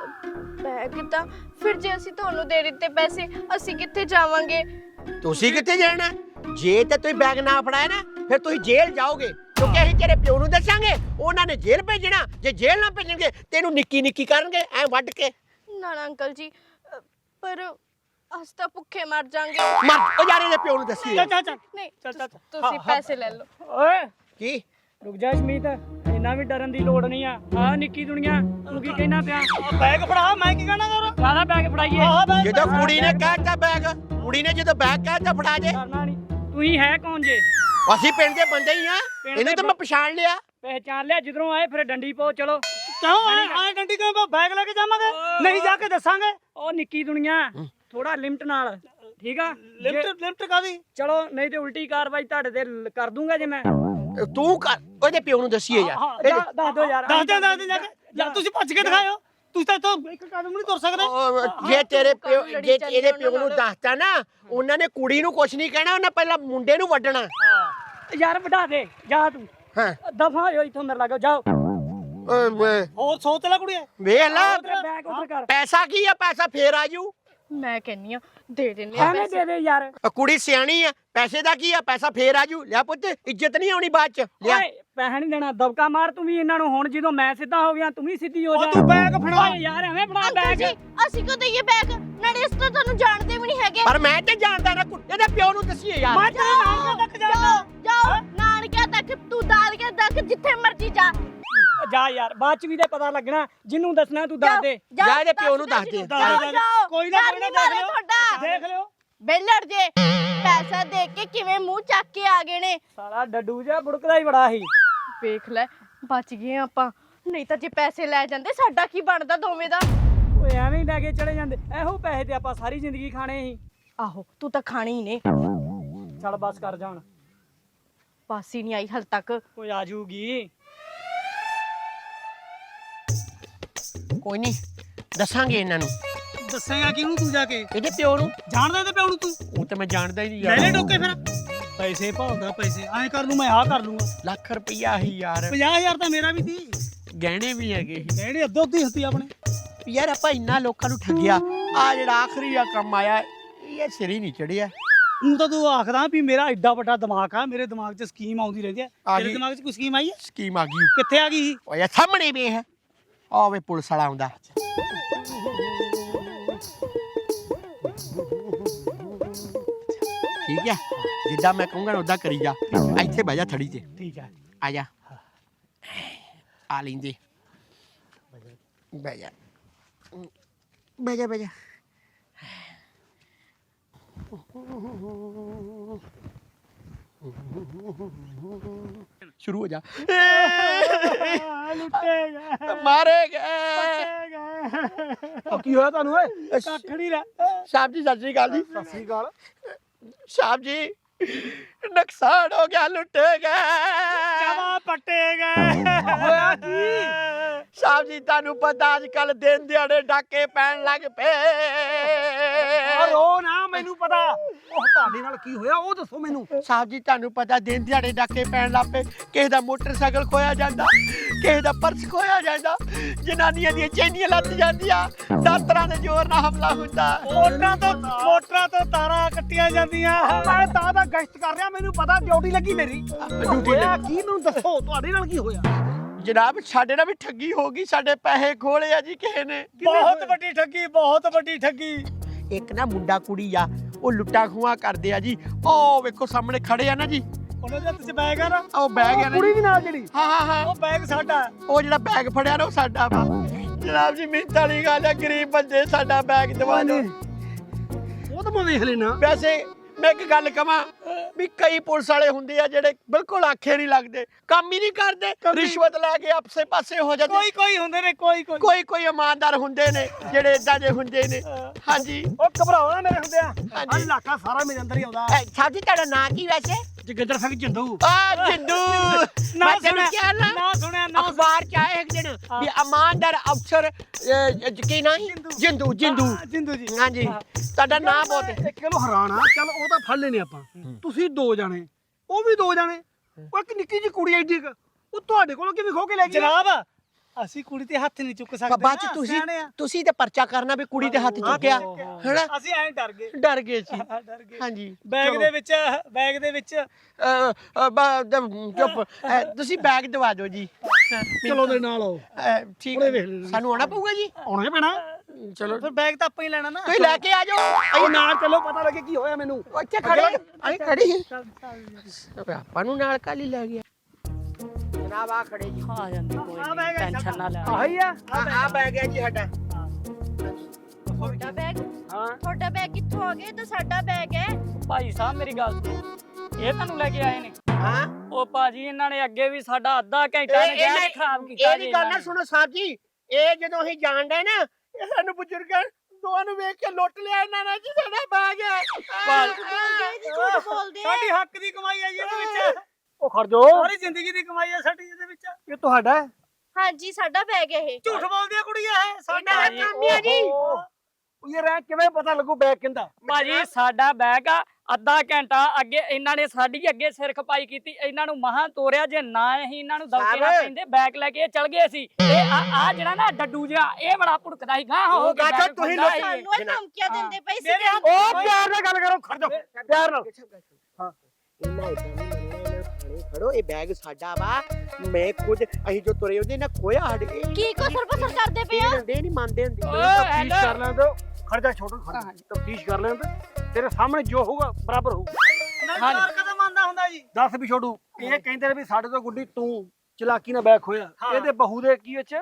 ਬੈਗ ਤਾਂ ਫਿਰ ਜੇ ਅਸੀਂ ਤੁਹਾਨੂੰ ਦੇ ਦਿੱਤੇ ਪੈਸੇ ਅਸੀਂ ਕਿੱਥੇ ਜਾਵਾਂਗੇ?
ਤੁਸੀਂ ਕਿੱਥੇ ਜਾਣਾ? ਜੇ ਤੇ ਤੁਸੀਂ ਬੈਗ ਨਾ ਫੜਾਇਆ ਨਾ ਫਿਰ ਤੁਸੀਂ ਜੇਲ੍ਹ ਜਾਓਗੇ, ਕਿਉਂਕਿ ਅਸੀਂ ਤੇਰੇ ਪਿਓ ਨੂੰ ਦੱਸਾਂਗੇ, ਉਹਨਾਂ ਨੇ ਜੇਲ੍ਹ ਭੇਜਣਾ। ਜੇ ਜੇਲ੍ਹ ਨਾ ਭੇਜਣਗੇ ਤੈਨੂੰ ਨਿੱਕੀ ਨਿੱਕੀ ਕਰਨਗੇ ਐ ਵੱਢ ਕੇ।
ਨਾ ਨਾ ਅੰਕਲ ਜੀ ਅ, ਪਰ ਅਸੀਂ ਤਾਂ ਭੁੱਖੇ ਮਰ ਜਾਾਂਗੇ।
ਮਰ ਉਹ ਯਾਰ ਇਹਦੇ ਪਿਓ ਨੂੰ ਦੱਸੀ।
ਚੱਲ ਚੱਲ ਚੱਲ
ਨਹੀਂ
ਚੱਲ, ਚੱਲ,
ਤੁਸ-
ਚੱਲ।
ਤੁਸੀਂ
ਹਾਂ, ਹਾਂ।
ਪੈਸੇ ਲੈ ਲਓ।
ਓਏ
ਕੀ
ਰੁਕ ਜਾ ਸ਼ਮੀਤ, ਇੰਨਾ ਵੀ ਡਰਨ ਦੀ ਲੋੜ ਨਹੀਂ ਆ। ਆ ਨਿੱਕੀ ਦੁਨੀਆ ਤੂੰ ਕੀ ਕਹਿਣਾ ਪਿਆ?
ਆਹ ਬੈਗ ਫੜਾ, ਮੈਂ ਕੀ ਕਹਿਣਾ ਯਾਰ?
ਕਾਹਦਾ ਬੈਗ ਫੜਾਈਏ?
ਆਹ ਬੈਗ
ਜਦੋਂ ਕੁੜੀ ਨੇ ਕਹਿਤਾ ਬੈਗ, ਕੁੜੀ ਨੇ ਜਦੋਂ ਬੈਗ ਕਹਿਤਾ ਫੜਾ ਜੇ।
ਕਰਨਾ ਨਹੀਂ। ਤੂੰ ਹੀ ਹੈ ਕੌਣ ਜੇ?
ਅਸੀਂ ਪਿੰਡ ਦੇ ਬੰਦੇ ਹੀ ਆ।
ਪਿੰਡ
ਇਹਨੂੰ
ਦੇ
ਤਾਂ ਮੈਂ ਪਛਾਣ ਲਿਆ।
ਪਹਿਚਾਨ ਲਿਆ, ਜਿੱਧਰੋਂ ਆਏ ਫਿਰ ਡੰਡੀ ਪਾਓ। ਚਲੋ
ਕਿਉਂ ਆਏ ਆਏ ਡੰਡੀ ਕਿਉਂ? ਬੈਗ ਲੈ ਕੇ ਜਾਵਾਂਗੇ। ਨਹੀਂ ਜਾ ਕੇ ਦੱਸਾਂਗੇ।
ਉਹ ਨਿੱਕੀ ਦੁਨੀਆ ਥੋੜਾ ਲਿਮਟ ਨਾਲ, ਠੀਕ ਆ?
ਲਿਫਟ
ਜੇ-
ਲਿਫਟ ਕਾਦੀ?
ਚਲੋ ਨਹੀਂ ਤੇ ਉਲਟੀ ਕਾਰਵਾਈ ਤੁਹਾਡੇ ਤੇ ਲ- ਕਰ ਦੂੰਗਾ ਜੇ ਮੈਂ।
ਤੂੰ ਕਰ ਉਹਦੇ ਪਿਓ ਨੂੰ ਦੱਸੀਏ
ਹਾਂ,
ਯਾਰ।
ਦੱਸ- ਦੱਸ ਦਿਓ ਯਾਰ।
ਦੱਸ ਦੇ ਦੱਸ ਦੇ ਜਾ ਕੇ। ਯਾਰ ਤੁਸੀਂ ਭੱਜ ਕੇ ਦਿਖਾਇਓ। ਤੁਸੀਂ ਤਾਂ ਇੱਥੋਂ ਇੱਕ ਕਦਮ ਨਹੀਂ ਤੁਰ ਸਕਦੇ।
ਉਹ ਜੇ ਤੇਰੇ ਪਿਓ ਜੇ ਇਹਦੇ ਪਿਓ ਨੂੰ ਦੱਸਤਾ ਨਾ, ਉਹਨਾਂ ਨੇ ਕੁੜੀ ਨੂੰ ਕੁਛ ਨਹੀਂ ਕਹਿਣਾ, ਉਹਨਾਂ ਪਹਿਲਾਂ ਮੁੰਡੇ ਨੂੰ ਵੱਢਣਾ।
ਯਾਰ ਵਢਾ ਦੇ ਜਾ ਤੂੰ।
ਹਾਂ
ਦਫਾ ਹੋ ਇੱਥੋਂ ਮੇਰੇ ਲਾਗੋ ਜਾਓ।
ਓਏ ਵੇ-
ਹੋਰ ਸੋਚ ਲੈ ਕੁੜੀਏ।
ਵੇਖ ਲਾ
ਉਧਰ ਬੈਗ ਉਧਰ ਕਰ।
ਪੈਸਾ ਕੀ ਆ? ਪੈਸਾ ਫੇਰ ਆਜੂ।
ਮੈਂ ਕਹਿੰਨੀ ਆ ਦੇ ਦਿੰਦੇ ਆ
ਐਵੇਂ
ਪੈਸੇ।
ਦੇ ਦੇ ਯਾਰ।
ਉਹ ਕੁੜੀ ਸਿਆਣੀ ਆ, ਪੈਸੇ ਦਾ ਕੀ ਆ? ਪੈਸਾ ਫੇਰ ਆਜੂ। ਲਿਆ ਪੁੱਤ, ਇੱਜ਼ਤ ਨਹੀਂ ਆਉਣੀ ਬਾਅਦ ਚ। ਲਿਆ
ਓਏ ਪੈਸਾ ਨਹੀਂ ਦੇਣਾ, ਦਬਕਾ ਮਾਰ ਤੂੰ ਵੀ ਇਹਨਾਂ ਨੂੰ। ਹੁਣ ਜਦੋਂ ਮੈਂ ਸਿੱਧਾ ਹੋ ਗਿਆ ਤੂੰ ਵੀ ਸਿੱਧੀ ਹੋ
ਉਹ
ਜਾ।
ਤੂੰ ਬੈਗ ਫੜਾ।
ਓਏ ਯਾਰ ਐਵੇਂ ਫੜਾ
ਅੰਕਲ
ਬੈਗ।
ਜੀ ਅਸੀਂ ਕਿਉਂ ਦਈਏ ਬੈਗ? ਨਾਲੇ ਇਸ ਤੋਂ ਤੁਹਾਨੂੰ ਜਾਣਦੇ ਵੀ ਨਹੀਂ ਹੈਗੇ।
ਪਰ ਮੈਂ ਤੇ ਜਾਣਦਾ ਨਾ, ਕੁ- ਇਹਦੇ ਪਿਓ ਨੂੰ ਦੱਸੀਏ
ਮੈਂ
ਯਾਰ।
ਤੇਰੇ ਨਾਨਕਿਆਂ ਤੱਕ ਜਾਣਾ।
ਜਾਓ ਜਾਓ ਨਾਨਕਿਆਂ ਤੱਕ, ਤੂੰ ਦਾਦਕਿਆਂ ਤੱਕ, ਜਿੱਥੇ ਮਰਜੀ ਜਾ।
ਜਾ ਯਾਰ, ਬਾਅਦ ਚ ਵੀ ਤੇ ਪਤਾ ਲੱਗਣਾ। ਜਿਹਨੂੰ ਦੱਸਣਾ ਤੂੰ ਦੱਸ ਦੇ।
ਜਾ ਇਹਦੇ ਪਿਓ ਨੂੰ ਦੱਸ ਦੇ।
ਦੱਸ
ਜਾਓ
ਦੇ।
ਜਾਓ
ਕੋਈ ਨਾ
ਡਰ
ਕੋਈ ਨਾ
ਨੀ
ਦੇਖ
ਮਾਰਿਆ
ਲਿਓ।
ਤੁਹਾਡਾ।
ਦੇਖ ਲਿਓ।
ਬੇਲੜ ਜੇ ਪੈਸਾ ਦੇ ਕੇ ਕਿਵੇਂ ਮੂੰਹ ਚੱਕ ਕੇ ਆ ਗਏ ਨੇ।
ਸਾਲਾ ਡੱਡੂ ਜਿਹਾ ਬੁੜਕਦਾ ਹੀ ਬੜਾ ਸੀ।
ਵੇਖ ਲੈ ਬਚ ਗਏ ਆਪਾਂ, ਨਹੀਂ ਤਾਂ ਜੇ ਪੈਸੇ ਲੈ ਜਾਂਦੇ ਸਾਡਾ ਕੀ ਬਣਦਾ ਦੋਵੇਂ ਦਾ।
ਓਏ ਐਵੇਂ ਹੀ ਲੈ ਕੇ ਚਲੇ ਜਾਂਦੇ। ਇਹੋ ਪੈਸੇ ਤੇ ਆਪਾਂ ਸਾਰੀ ਜ਼ਿੰਦਗੀ ਖਾਣੇ ਸੀ।
ਆਹੋ ਤੂੰ ਤਾਂ ਖਾਣੇ ਹੀ ਨੇ।
ਚੱਲ ਬਸ ਕਰ ਜਾ ਹੁਣ।
ਬਸ ਹੀ ਨਹੀਂ ਆਈ ਹਲ ਤੱਕ।
ਕੋਈ ਆ ਜੂਗੀ।
ਕੋਈ ਨਹੀਂ ਦੱਸਾਂਗੇ ਇਹਨਾਂ ਨੂੰ,
ਦੱਸੇਗਾ ਕਿਹਨੂੰ ਤੂੰ ਜਾ ਕੇ?
ਇਹਦੇ ਪਿਓ ਨੂੰ।
ਜਾਣਦਾ ਤੇ ਪਿਓ ਨੂੰ ਤੂੰ?
ਉਹ ਤਾਂ ਮੈਂ ਜਾਣਦਾ ਹੀ ਨਹੀਂ
ਲੈ ਲੈ
ਯਾਰ।
ਟੋਕੇ ਫਿਰ। ਪੈਸੇ ਭਾਲਦਾ ਪੈਸੇ। ਐਂ ਕਰ ਲੂ ਮੈਂ ਆਹ ਕਰ ਲੂੰਗਾ।
ਲੱਖ ਰੁਪਈਆ ਹੀ ਯਾਰ।
ਪੰਜਾਹ ਹਜ਼ਾਰ ਤਾਂ ਮੇਰਾ ਵੀ ਸੀ।
ਗਹਿਣੇ ਵੀ ਹੈਗੇ ਸੀ।
ਕਿਹੜੇ ਅੱਧੋ ਅੱਧੀ ਹੁੰਦੀ ਆਪਣੇ।
ਯਾਰ ਆਪਾਂ ਇੰਨਾ ਲੋਕਾਂ ਨੂੰ ਠੱਗਿਆ, ਆ ਜਿਹੜਾ ਆਖਰੀ ਆ ਕੰਮ ਆਇਆ, ਇਹ ਸਿਰ ਹੀ ਨਹੀਂ ਚੜਿਆ।
ਹੁਣ ਤਾਂ ਤੂੰ ਆਖਦਾ ਵੀ ਮੇਰਾ ਐਡਾ ਵੱਡਾ ਦਿਮਾਗ ਆ, ਮੇਰੇ ਦਿਮਾਗ 'ਚ ਸਕੀਮ ਆਉਂਦੀ ਰਹਿੰਦੀ ਹੈ।
ਆ
ਤੇਰੇ
ਗਈ।
ਦਿਮਾਗ 'ਚ ਕੋਈ ਸਕੀਮ ਆਈ ਹੈ?
ਸਕੀਮ ਆ ਗਈ।
ਕਿੱਥੇ ਆ ਗਈ?
ਓਏ ਸਾਹਮਣੇ ਵੇਖ, ਆ ਵੇ ਪੁਲਿਸ ਵਾਲਾ ਆਉਂਦਾ। ਠੀਕ ਹੈ, ਜਿੱਦਾਂ ਮੈਂ ਕਹੂੰਗਾ ਉਦਾਂ ਕਰੀ ਜਾ। ਇੱਥੇ ਬਹਿ ਜਾ ਥੜੀ ਤੇ।
ਠੀਕ ਹੈ।
ਆ ਜਾ। ਆ ਲੈਂਦੇ। ਬਹਿ ਜਾ ਬਹਿ ਜਾ ਬਹਿ ਜਾ ਸ਼ੁਰੂ ਹੋ ਜਾ
ਲੁੱਟੇਗਾ
ਮਾਰੇਗਾ
ਉਹ ਕੀ ਹੋਇਆ ਤੁਹਾਨੂੰ ਓਏ ਕੱਖ ਨਹੀਂ ਰਿਹਾ
ਸਾਹਿਬ ਜੀ ਸਤਿ ਸ੍ਰੀ ਅਕਾਲ ਜੀ
ਸਤਿ ਸ੍ਰੀ ਅਕਾਲ
ਸਾਹਿਬ ਜੀ ਨੁਕਸਾਨ ਹੋ ਗਿਆ ਲੁੱਟੇਗਾ
ਜਮਾ ਪੱਟੇਗਾ ਹੋਇਆ ਕੀ
ਸਾਹਿਬ ਜੀ ਤੁਹਾਨੂੰ ਪਤਾ ਅੱਜ ਕੱਲ ਦਿਨ ਦਿਹਾੜੇ ਡਾਕੇ ਪੈਣ ਲੱਗ ਪਏ
ਰੋ ਨਾ ਮੈਨੂੰ ਪਤਾ ਉਹ ਤੁਹਾਡੇ ਨਾਲ ਕੀ ਹੋਇਆ ਉਹ ਦੱਸੋ ਮੈਨੂੰ
ਸਾਹਿਬ ਜੀ ਤੁਹਾਨੂੰ ਪਤਾ ਦਿਨ ਦਿਹਾੜੇ ਡਾਕੇ ਪੈਣ ਲੱਗ ਪਏ ਕਿਸੇ ਦਾ ਮੋਟਰਸਾਈਕਲ ਖੋਇਆ ਜਾਂਦਾ ਕਿਸੇ ਦਾ ਪਰਸ ਖੋਇਆ ਜਾਂਦਾ ਜਨਾਨੀਆਂ ਦੀਆਂ ਚੈਨੀਆਂ ਲੱਤ ਜਾਂਦੀਆਂ ਦਾਤਰਾਂ ਦੇ ਜ਼ੋਰ ਨਾਲ ਹਮਲਾ ਹੁੰਦਾ
ਮੋਟਰਾਂ ਤੋਂ ਮੋਟਰਾਂ ਤੋਂ ਤਾਰਾਂ ਕੱਟੀਆਂ ਜਾਂਦੀਆਂ ਮੈਂ ਤਾਂ ਦਾ ਗਸ਼ਤ ਕਰ ਰਿਹਾ ਮੈਨੂੰ ਪਤਾ ਡਿਊਟੀ ਲੱਗੀ ਮੇਰੀ
ਡਿਊਟੀ
ਹੋਇਆ ਕੀ ਮੈਨੂੰ ਦੱਸੋ ਤੁਹਾਡੇ ਨਾਲ ਕੀ ਹੋਇਆ
ਜਨਾਬ ਸਾਡੇ ਨਾਲ ਵੀ ਠੱਗੀ ਹੋ ਗਈ ਸਾਡੇ ਪੈਸੇ ਖੋਲੇ ਆ ਜੀ ਕਿਸੇ ਨੇ
ਬਹੁਤ ਵੱਡੀ ਠੱਗੀ ਬਹੁਤ ਵੱਡੀ ਠੱਗੀ
ਇੱਕ ਨਾ ਮੁੰਡਾ ਕੁੜੀ ਆ ਉਹ ਲੁੱਟਾ ਖੂਆ ਕਰਦੇ ਆ ਜੀ ਉਹ ਵੇਖੋ ਸਾਹਮਣੇ ਖੜੇ ਆ ਨਾ ਜੀ
ਉਹਨਾਂ ਦੇ ਹੱਥ 'ਚ ਬੈਗ ਆ ਨਾ
ਉਹ ਬੈਗ ਆ ਨਾ
ਕੁੜੀ
ਜੀ।
ਵੀ ਨਾਲ ਜਿਹੜੀ
ਹਾਂ ਹਾਂ ਹਾਂ
ਉਹ ਬੈਗ ਸਾਡਾ
ਉਹ ਜਿਹੜਾ ਬੈਗ ਫੜਿਆ ਨਾ ਉਹ ਸਾਡਾ ਵਾ ਜਨਾਬ ਜੀ ਮਿਹਨਤ ਵਾਲੀ ਗੱਲ ਆ ਗਰੀਬ ਬੰਦੇ ਸਾਡਾ ਬੈਗ ਦਵਾ ਦਿਓ
ਉਹ ਤਾਂ ਮੈਂ ਵੇਖ ਲੈਣਾ
ਵੈਸੇ ਮੈਂ ਇੱਕ ਗੱਲ ਕਵਾਂ ਵੀ ਕਈ ਪੁਲਿਸ ਵਾਲੇ ਹੁੰਦੇ ਆ ਜਿਹੜੇ ਬਿਲਕੁਲ ਆਖੇ ਨਹੀਂ ਲੱਗਦੇ ਕੰਮ ਹੀ ਨਹੀਂ ਕਰਦੇ ਰਿਸ਼ਵਤ ਲੈ ਕੇ ਆਪਸੇ ਪਾਸੇ ਹੋ ਜਾਂਦੇ
ਕੋਈ ਕੋਈ ਹੁੰਦੇ ਨੇ ਕੋਈ ਕੋਈ
ਕੋਈ ਕੋਈ ਇਮਾਨਦਾਰ ਹੁੰਦੇ ਨੇ ਜਿਹੜੇ ਇਦਾਂ ਦੇ ਹੁੰਦੇ ਨੇ ਹਾਂਜੀ
ਉਹ ਘਬਰਾਓ ਨਾ ਮੇਰੇ ਹੁੰਦੇ ਆ
ਹਾਂਜੀ।
ਆ ਇਲਾਕਾ ਸਾਰਾ ਮੇਰੇ ਅੰਦਰ ਹੀ ਆਉਂਦਾ
ਸਾਹਿਬ ਜੀ ਤੁਹਾਡਾ ਨਾਂ ਕੀ ਵੈਸੇ
ਜਗਿੰਦਰ ਸਿੰਘ ਜਿੰਦੂ
ਆ ਜਿੰਦੂ
ਨਾ
ਮੈਂ ਤੈਨੂੰ
ਸੁਣਿਆ
ਕਿਹਾ ਨਾ
ਨਾ ਸੁਣਿਆ ਨਾ
ਅਖਬਾਰ ਚ ਆਇਆ ਇੱਕ ਦਿਨ ਵੀ ਇਮਾਨਦਾਰ ਅਫਸਰ ਅਹ, ਕੀ ਨਾਂ ਸੀ? ਜਿੰਦੂ ਜਿੰਦੂ
ਹਾਂ, ਜਿੰਦੂ ਜੀ
ਹਾਂਜੀ ਤੁਹਾਡਾ ਨਾਂ ਬਹੁਤ ਹੈ
ਇੱਕ ਕਿਲੋ ਹਰਾਣਾ ਚੱਲ ਉਹ ਤਾਂ ਫੜ ਲੈਨੇ ਆਪਾਂ ਤੁਸੀਂ ਦੋ ਜਾਣੇ ਉਹ ਵੀ ਦੋ ਜਾਣੇ ਉਹ ਇੱਕ ਨਿੱਕੀ ਜਿਹੀ ਕੁੜੀ ਐਡੀ ਕੁ, ਉਹ ਤੁਹਾਡੇ ਕੋਲੋਂ ਕਿਵੇਂ ਖੋ ਕੇ ਲੈ ਗਈ ਜਨਾਬ ਅਸੀਂ ਕੁੜੀ ਤੇ ਹੱਥ ਨਹੀਂ ਚੁੱਕ ਸਕਦੇ
ਬਾਅਦ ਚ ਤੁਸੀਂ ਤੁਸੀਂ ਤੇ ਪਰਚਾ ਕਰਨਾ ਵੀ ਕੁੜੀ ਦੇ ਹੱਥ ਚੁੱਕਿਆ ਹੈਨਾ
ਅਸੀਂ ਐਂ ਡਰ ਗਏ
ਡਰ ਗਏ ਸੀ
ਡਰ ਗਏ
ਹਾਂਜੀ
ਬੈਗ ਦੇ ਵਿੱਚ ਬੈਗ ਦੇ ਵਿੱਚ
ਅਹ, ਅਹ, ਬਾ- ਦ- ਚੁੱਪ ਅਹ, ਤੁਸੀਂ ਬੈਗ ਦਵਾ ਦਿਓ ਜੀ
ਚਲੋ ਦੇ ਨਾਲ ਆਓ
ਅਹ, ਠੀਕ
ਹੁਣੇ ਵੇਖ ਲੈਣਾ।
ਸਾਨੂੰ ਆਉਣਾ ਪਊਗਾ ਜੀ
ਆਉਣਾ ਹੀ ਪੈਣਾ
ਚਲੋ
ਫਿਰ ਬੈਗ ਤਾਂ ਆਪਾਂ ਹੀ ਲੈਣਾ ਨਾ
ਤੁਸੀਂ ਲੈ ਕੇ ਆ ਜਾਓ
ਅਸੀਂ ਨਾਲ ਚੱਲੋ ਪਤਾ ਲੱਗੇ ਕੀ ਹੋਇਆ ਮੈਨੂੰ
ਇੱਥੇ ਖੜੇ ਅਸੀਂ ਖੜੇ ਹਾਂ ਆਪਾਂ ਨੂੰ ਨਾਲ ਕਾਲੀ ਲੈ ਗਿਆ ਜਨਾਬ ਆ ਖੜੇ ਜੀ
ਆ ਜਾਂਦੀ ਕੋਈ
ਆ
ਨਹੀਂ
ਬੈਗ ਹੈ
ਟੈਨਸ਼ਨ ਨਾ ਲੈ
ਆਹੀ ਆ
ਆ ਬੈਗ ਹੈ ਜੀ ਸਾਡਾ
ਤੁਹਾਡਾ ਬੈਗ
ਹਾਂ
ਤੁਹਾਡਾ ਬੈਗ ਕਿੱਥੋਂ ਆ ਗਿਆ ਇਹ ਤਾਂ ਸਾਡਾ ਬੈਗ ਹੈ
ਭਾਈ ਸਾਹਿਬ ਮੇਰੀ ਗੱਲ ਸੁਣੋ ਇਹ ਤੁਹਾਨੂੰ ਲੈ ਕੇ ਆਏ ਨੇ
ਹਾਂ
ਉਹ ਭਾਜੀ ਇਹਨਾਂ ਨੇ ਅੱਗੇ ਵੀ ਸਾਡਾ ਅੱਧਾ ਘੰਟਾ ਨੇ
ਇਹ-
ਗੈਸ ਖਰਾਬ ਕੀਤਾ
ਇਹ ਦੀ ਗੱਲ ਨਾ ਸੁਣੋ ਸਾਹਿਬ ਜੀ ਇਹ ਜਦੋਂ ਅਸੀਂ ਜਾਣਦੇ ਨਾ ਇਹ ਸਾਨੂੰ ਬਜ਼ੁਰਗਾਂ ਦੋਵਾਂ ਨੂੰ ਵੇਖ ਕੇ ਲੁੱਟ ਲਿਆ ਇਹਨਾਂ ਨੇ ਜੀ ਸਾਡਾ ਬੈਗ ਹੈ
ਬੋਲਦੇ ਜੀ ਝੂਠ ਬੋਲਦੇ ਆ
ਸਾਡੀ ਹੱਕ ਦੀ ਕਮਾਈ ਹੈ ਜੀ ਇਹਦੇ ਵਿੱਚ ਉਹ ਖੜ ਜਾਓ ਸਾਰੀ ਜ਼ਿੰਦਗੀ ਦੀ ਕਮਾਈ ਹੈ ਸਾਡੀ ਇਹਦੇ ਵਿੱਚ ਇਹ ਤੁਹਾਡਾ ਹੈ
ਹਾਂਜੀ ਸਾਡਾ ਬੈਗ ਹੈ ਇਹ
ਝੂਠ ਬੋਲਦੀ ਆ ਕੁੜੀ ਇਹ ਸਾਡਾ
ਇਹਨਾਂ ਦਾ ਕੰਮ ਹੀ ਹੈ ਜੀ।
ਉਹ ਇਹ ਰਹਿ ਕਿਵੇਂ ਪਤਾ ਲੱਗੂ ਬੈਗ ਕਿੰਦਾ
ਭਾਜੀ ਸਾਡਾ ਬੈਗ ਆ ਅੱਧਾ ਘੰਟਾ ਅੱਗੇ ਇਹਨਾਂ ਨੇ ਸਾਡੀ ਅੱਗੇ ਸਿਰ ਖਪਾਈ ਕੀਤੀ ਇਹਨਾਂ ਨੂੰ ਮਹਾਂ ਤੋਰਿਆ ਜੇ ਨਾ ਅਸੀਂ ਇਹਨਾਂ ਨੂੰ ਦੌਕੇ ਨਾ
ਸਾਹਿਬ।
ਪੈਂਦੇ ਬੈਗ ਲੈ ਕੇ ਇਹ ਚਲ ਗਏ ਸੀ ਇਹ ਆ ਆ ਜਿਹੜਾ ਨਾ ਡੱਡੂ ਜਿਹਾ ਇਹ ਬੜਾ ਭੁੜਕਦਾ ਸੀ ਗਾਂ ਹੋ
ਉਹ
ਕੇ
ਗਾਚਾ
ਬੈਗ
ਤੁਸੀਂ
ਖੁੱਲਦਾ
ਲੋਕ-
ਸੀ।
ਸਾਨੂੰ ਇਹ ਧਮਕੀਆਂ ਦਿੰਦੇ ਪਏ ਸੀ
ਮੇਰੇ ਹੱਥ
ਉਹ ਪਿਆਰ ਨਾਲ ਗੱਲ ਕਰੋ ਖੜ ਜਾਓ ਪਿਆਰ ਨਾਲ
ਹਾਂ।
ਇਹਨਾਂ ਇਦਾਂ ਨਹੀਂ ਮੰਨਣਾ ਇਹਨਾਂ ਥਾਣੇ ਖੜੋ ਇਹ ਬੈਗ ਸਾਡਾ ਵਾ ਮੈਂ ਖੁਦ ਅਸੀਂ ਜੋ ਤੁਰੇ ਉਹਦੇ ਨਾ ਖੋਇਆ ਸਾਡੇ
ਕੀ ਕਸਰ ਪਸਰ ਕਰਦੇ ਪਏ ਆ
ਇਹ ਨਹੀਂ ਮੰਨਦੇ ਹੁੰਦੇ
ਓਏ
ਤਫਤੀਸ਼
ਹੈਲੋ।
ਕਰ ਲੈਣ ਦਿਓ ਖੜ ਜਾ ਛੋਟੂ ਖੜ ਤਫਤੀਸ਼ ਕਰ ਲੈਣ ਦੇ ਤੇਰੇ ਸਾਹਮਣੇ ਜੋ ਹੋਊਗਾ ਬਰਾਬਰ ਹੋਊ
ਹਾਂਜੀ।
ਕਦਮ ਆਂਦਾ ਹੁੰਦਾ ਜੀ ਦੱਸ ਵੀ ਛੋਟੂ ਇਹ ਕਹਿੰਦੇ ਨੇ ਵੀ ਸਾਡੇ ਤੋਂ ਗੁੱਡੀ ਤੂੰ ਚਲਾਕੀ ਨਾਲ ਬੈਗ ਖੋਇਆ ਇਹਦੇ ਬਹੂ ਦੇ ਕੀ ਵਿੱਚ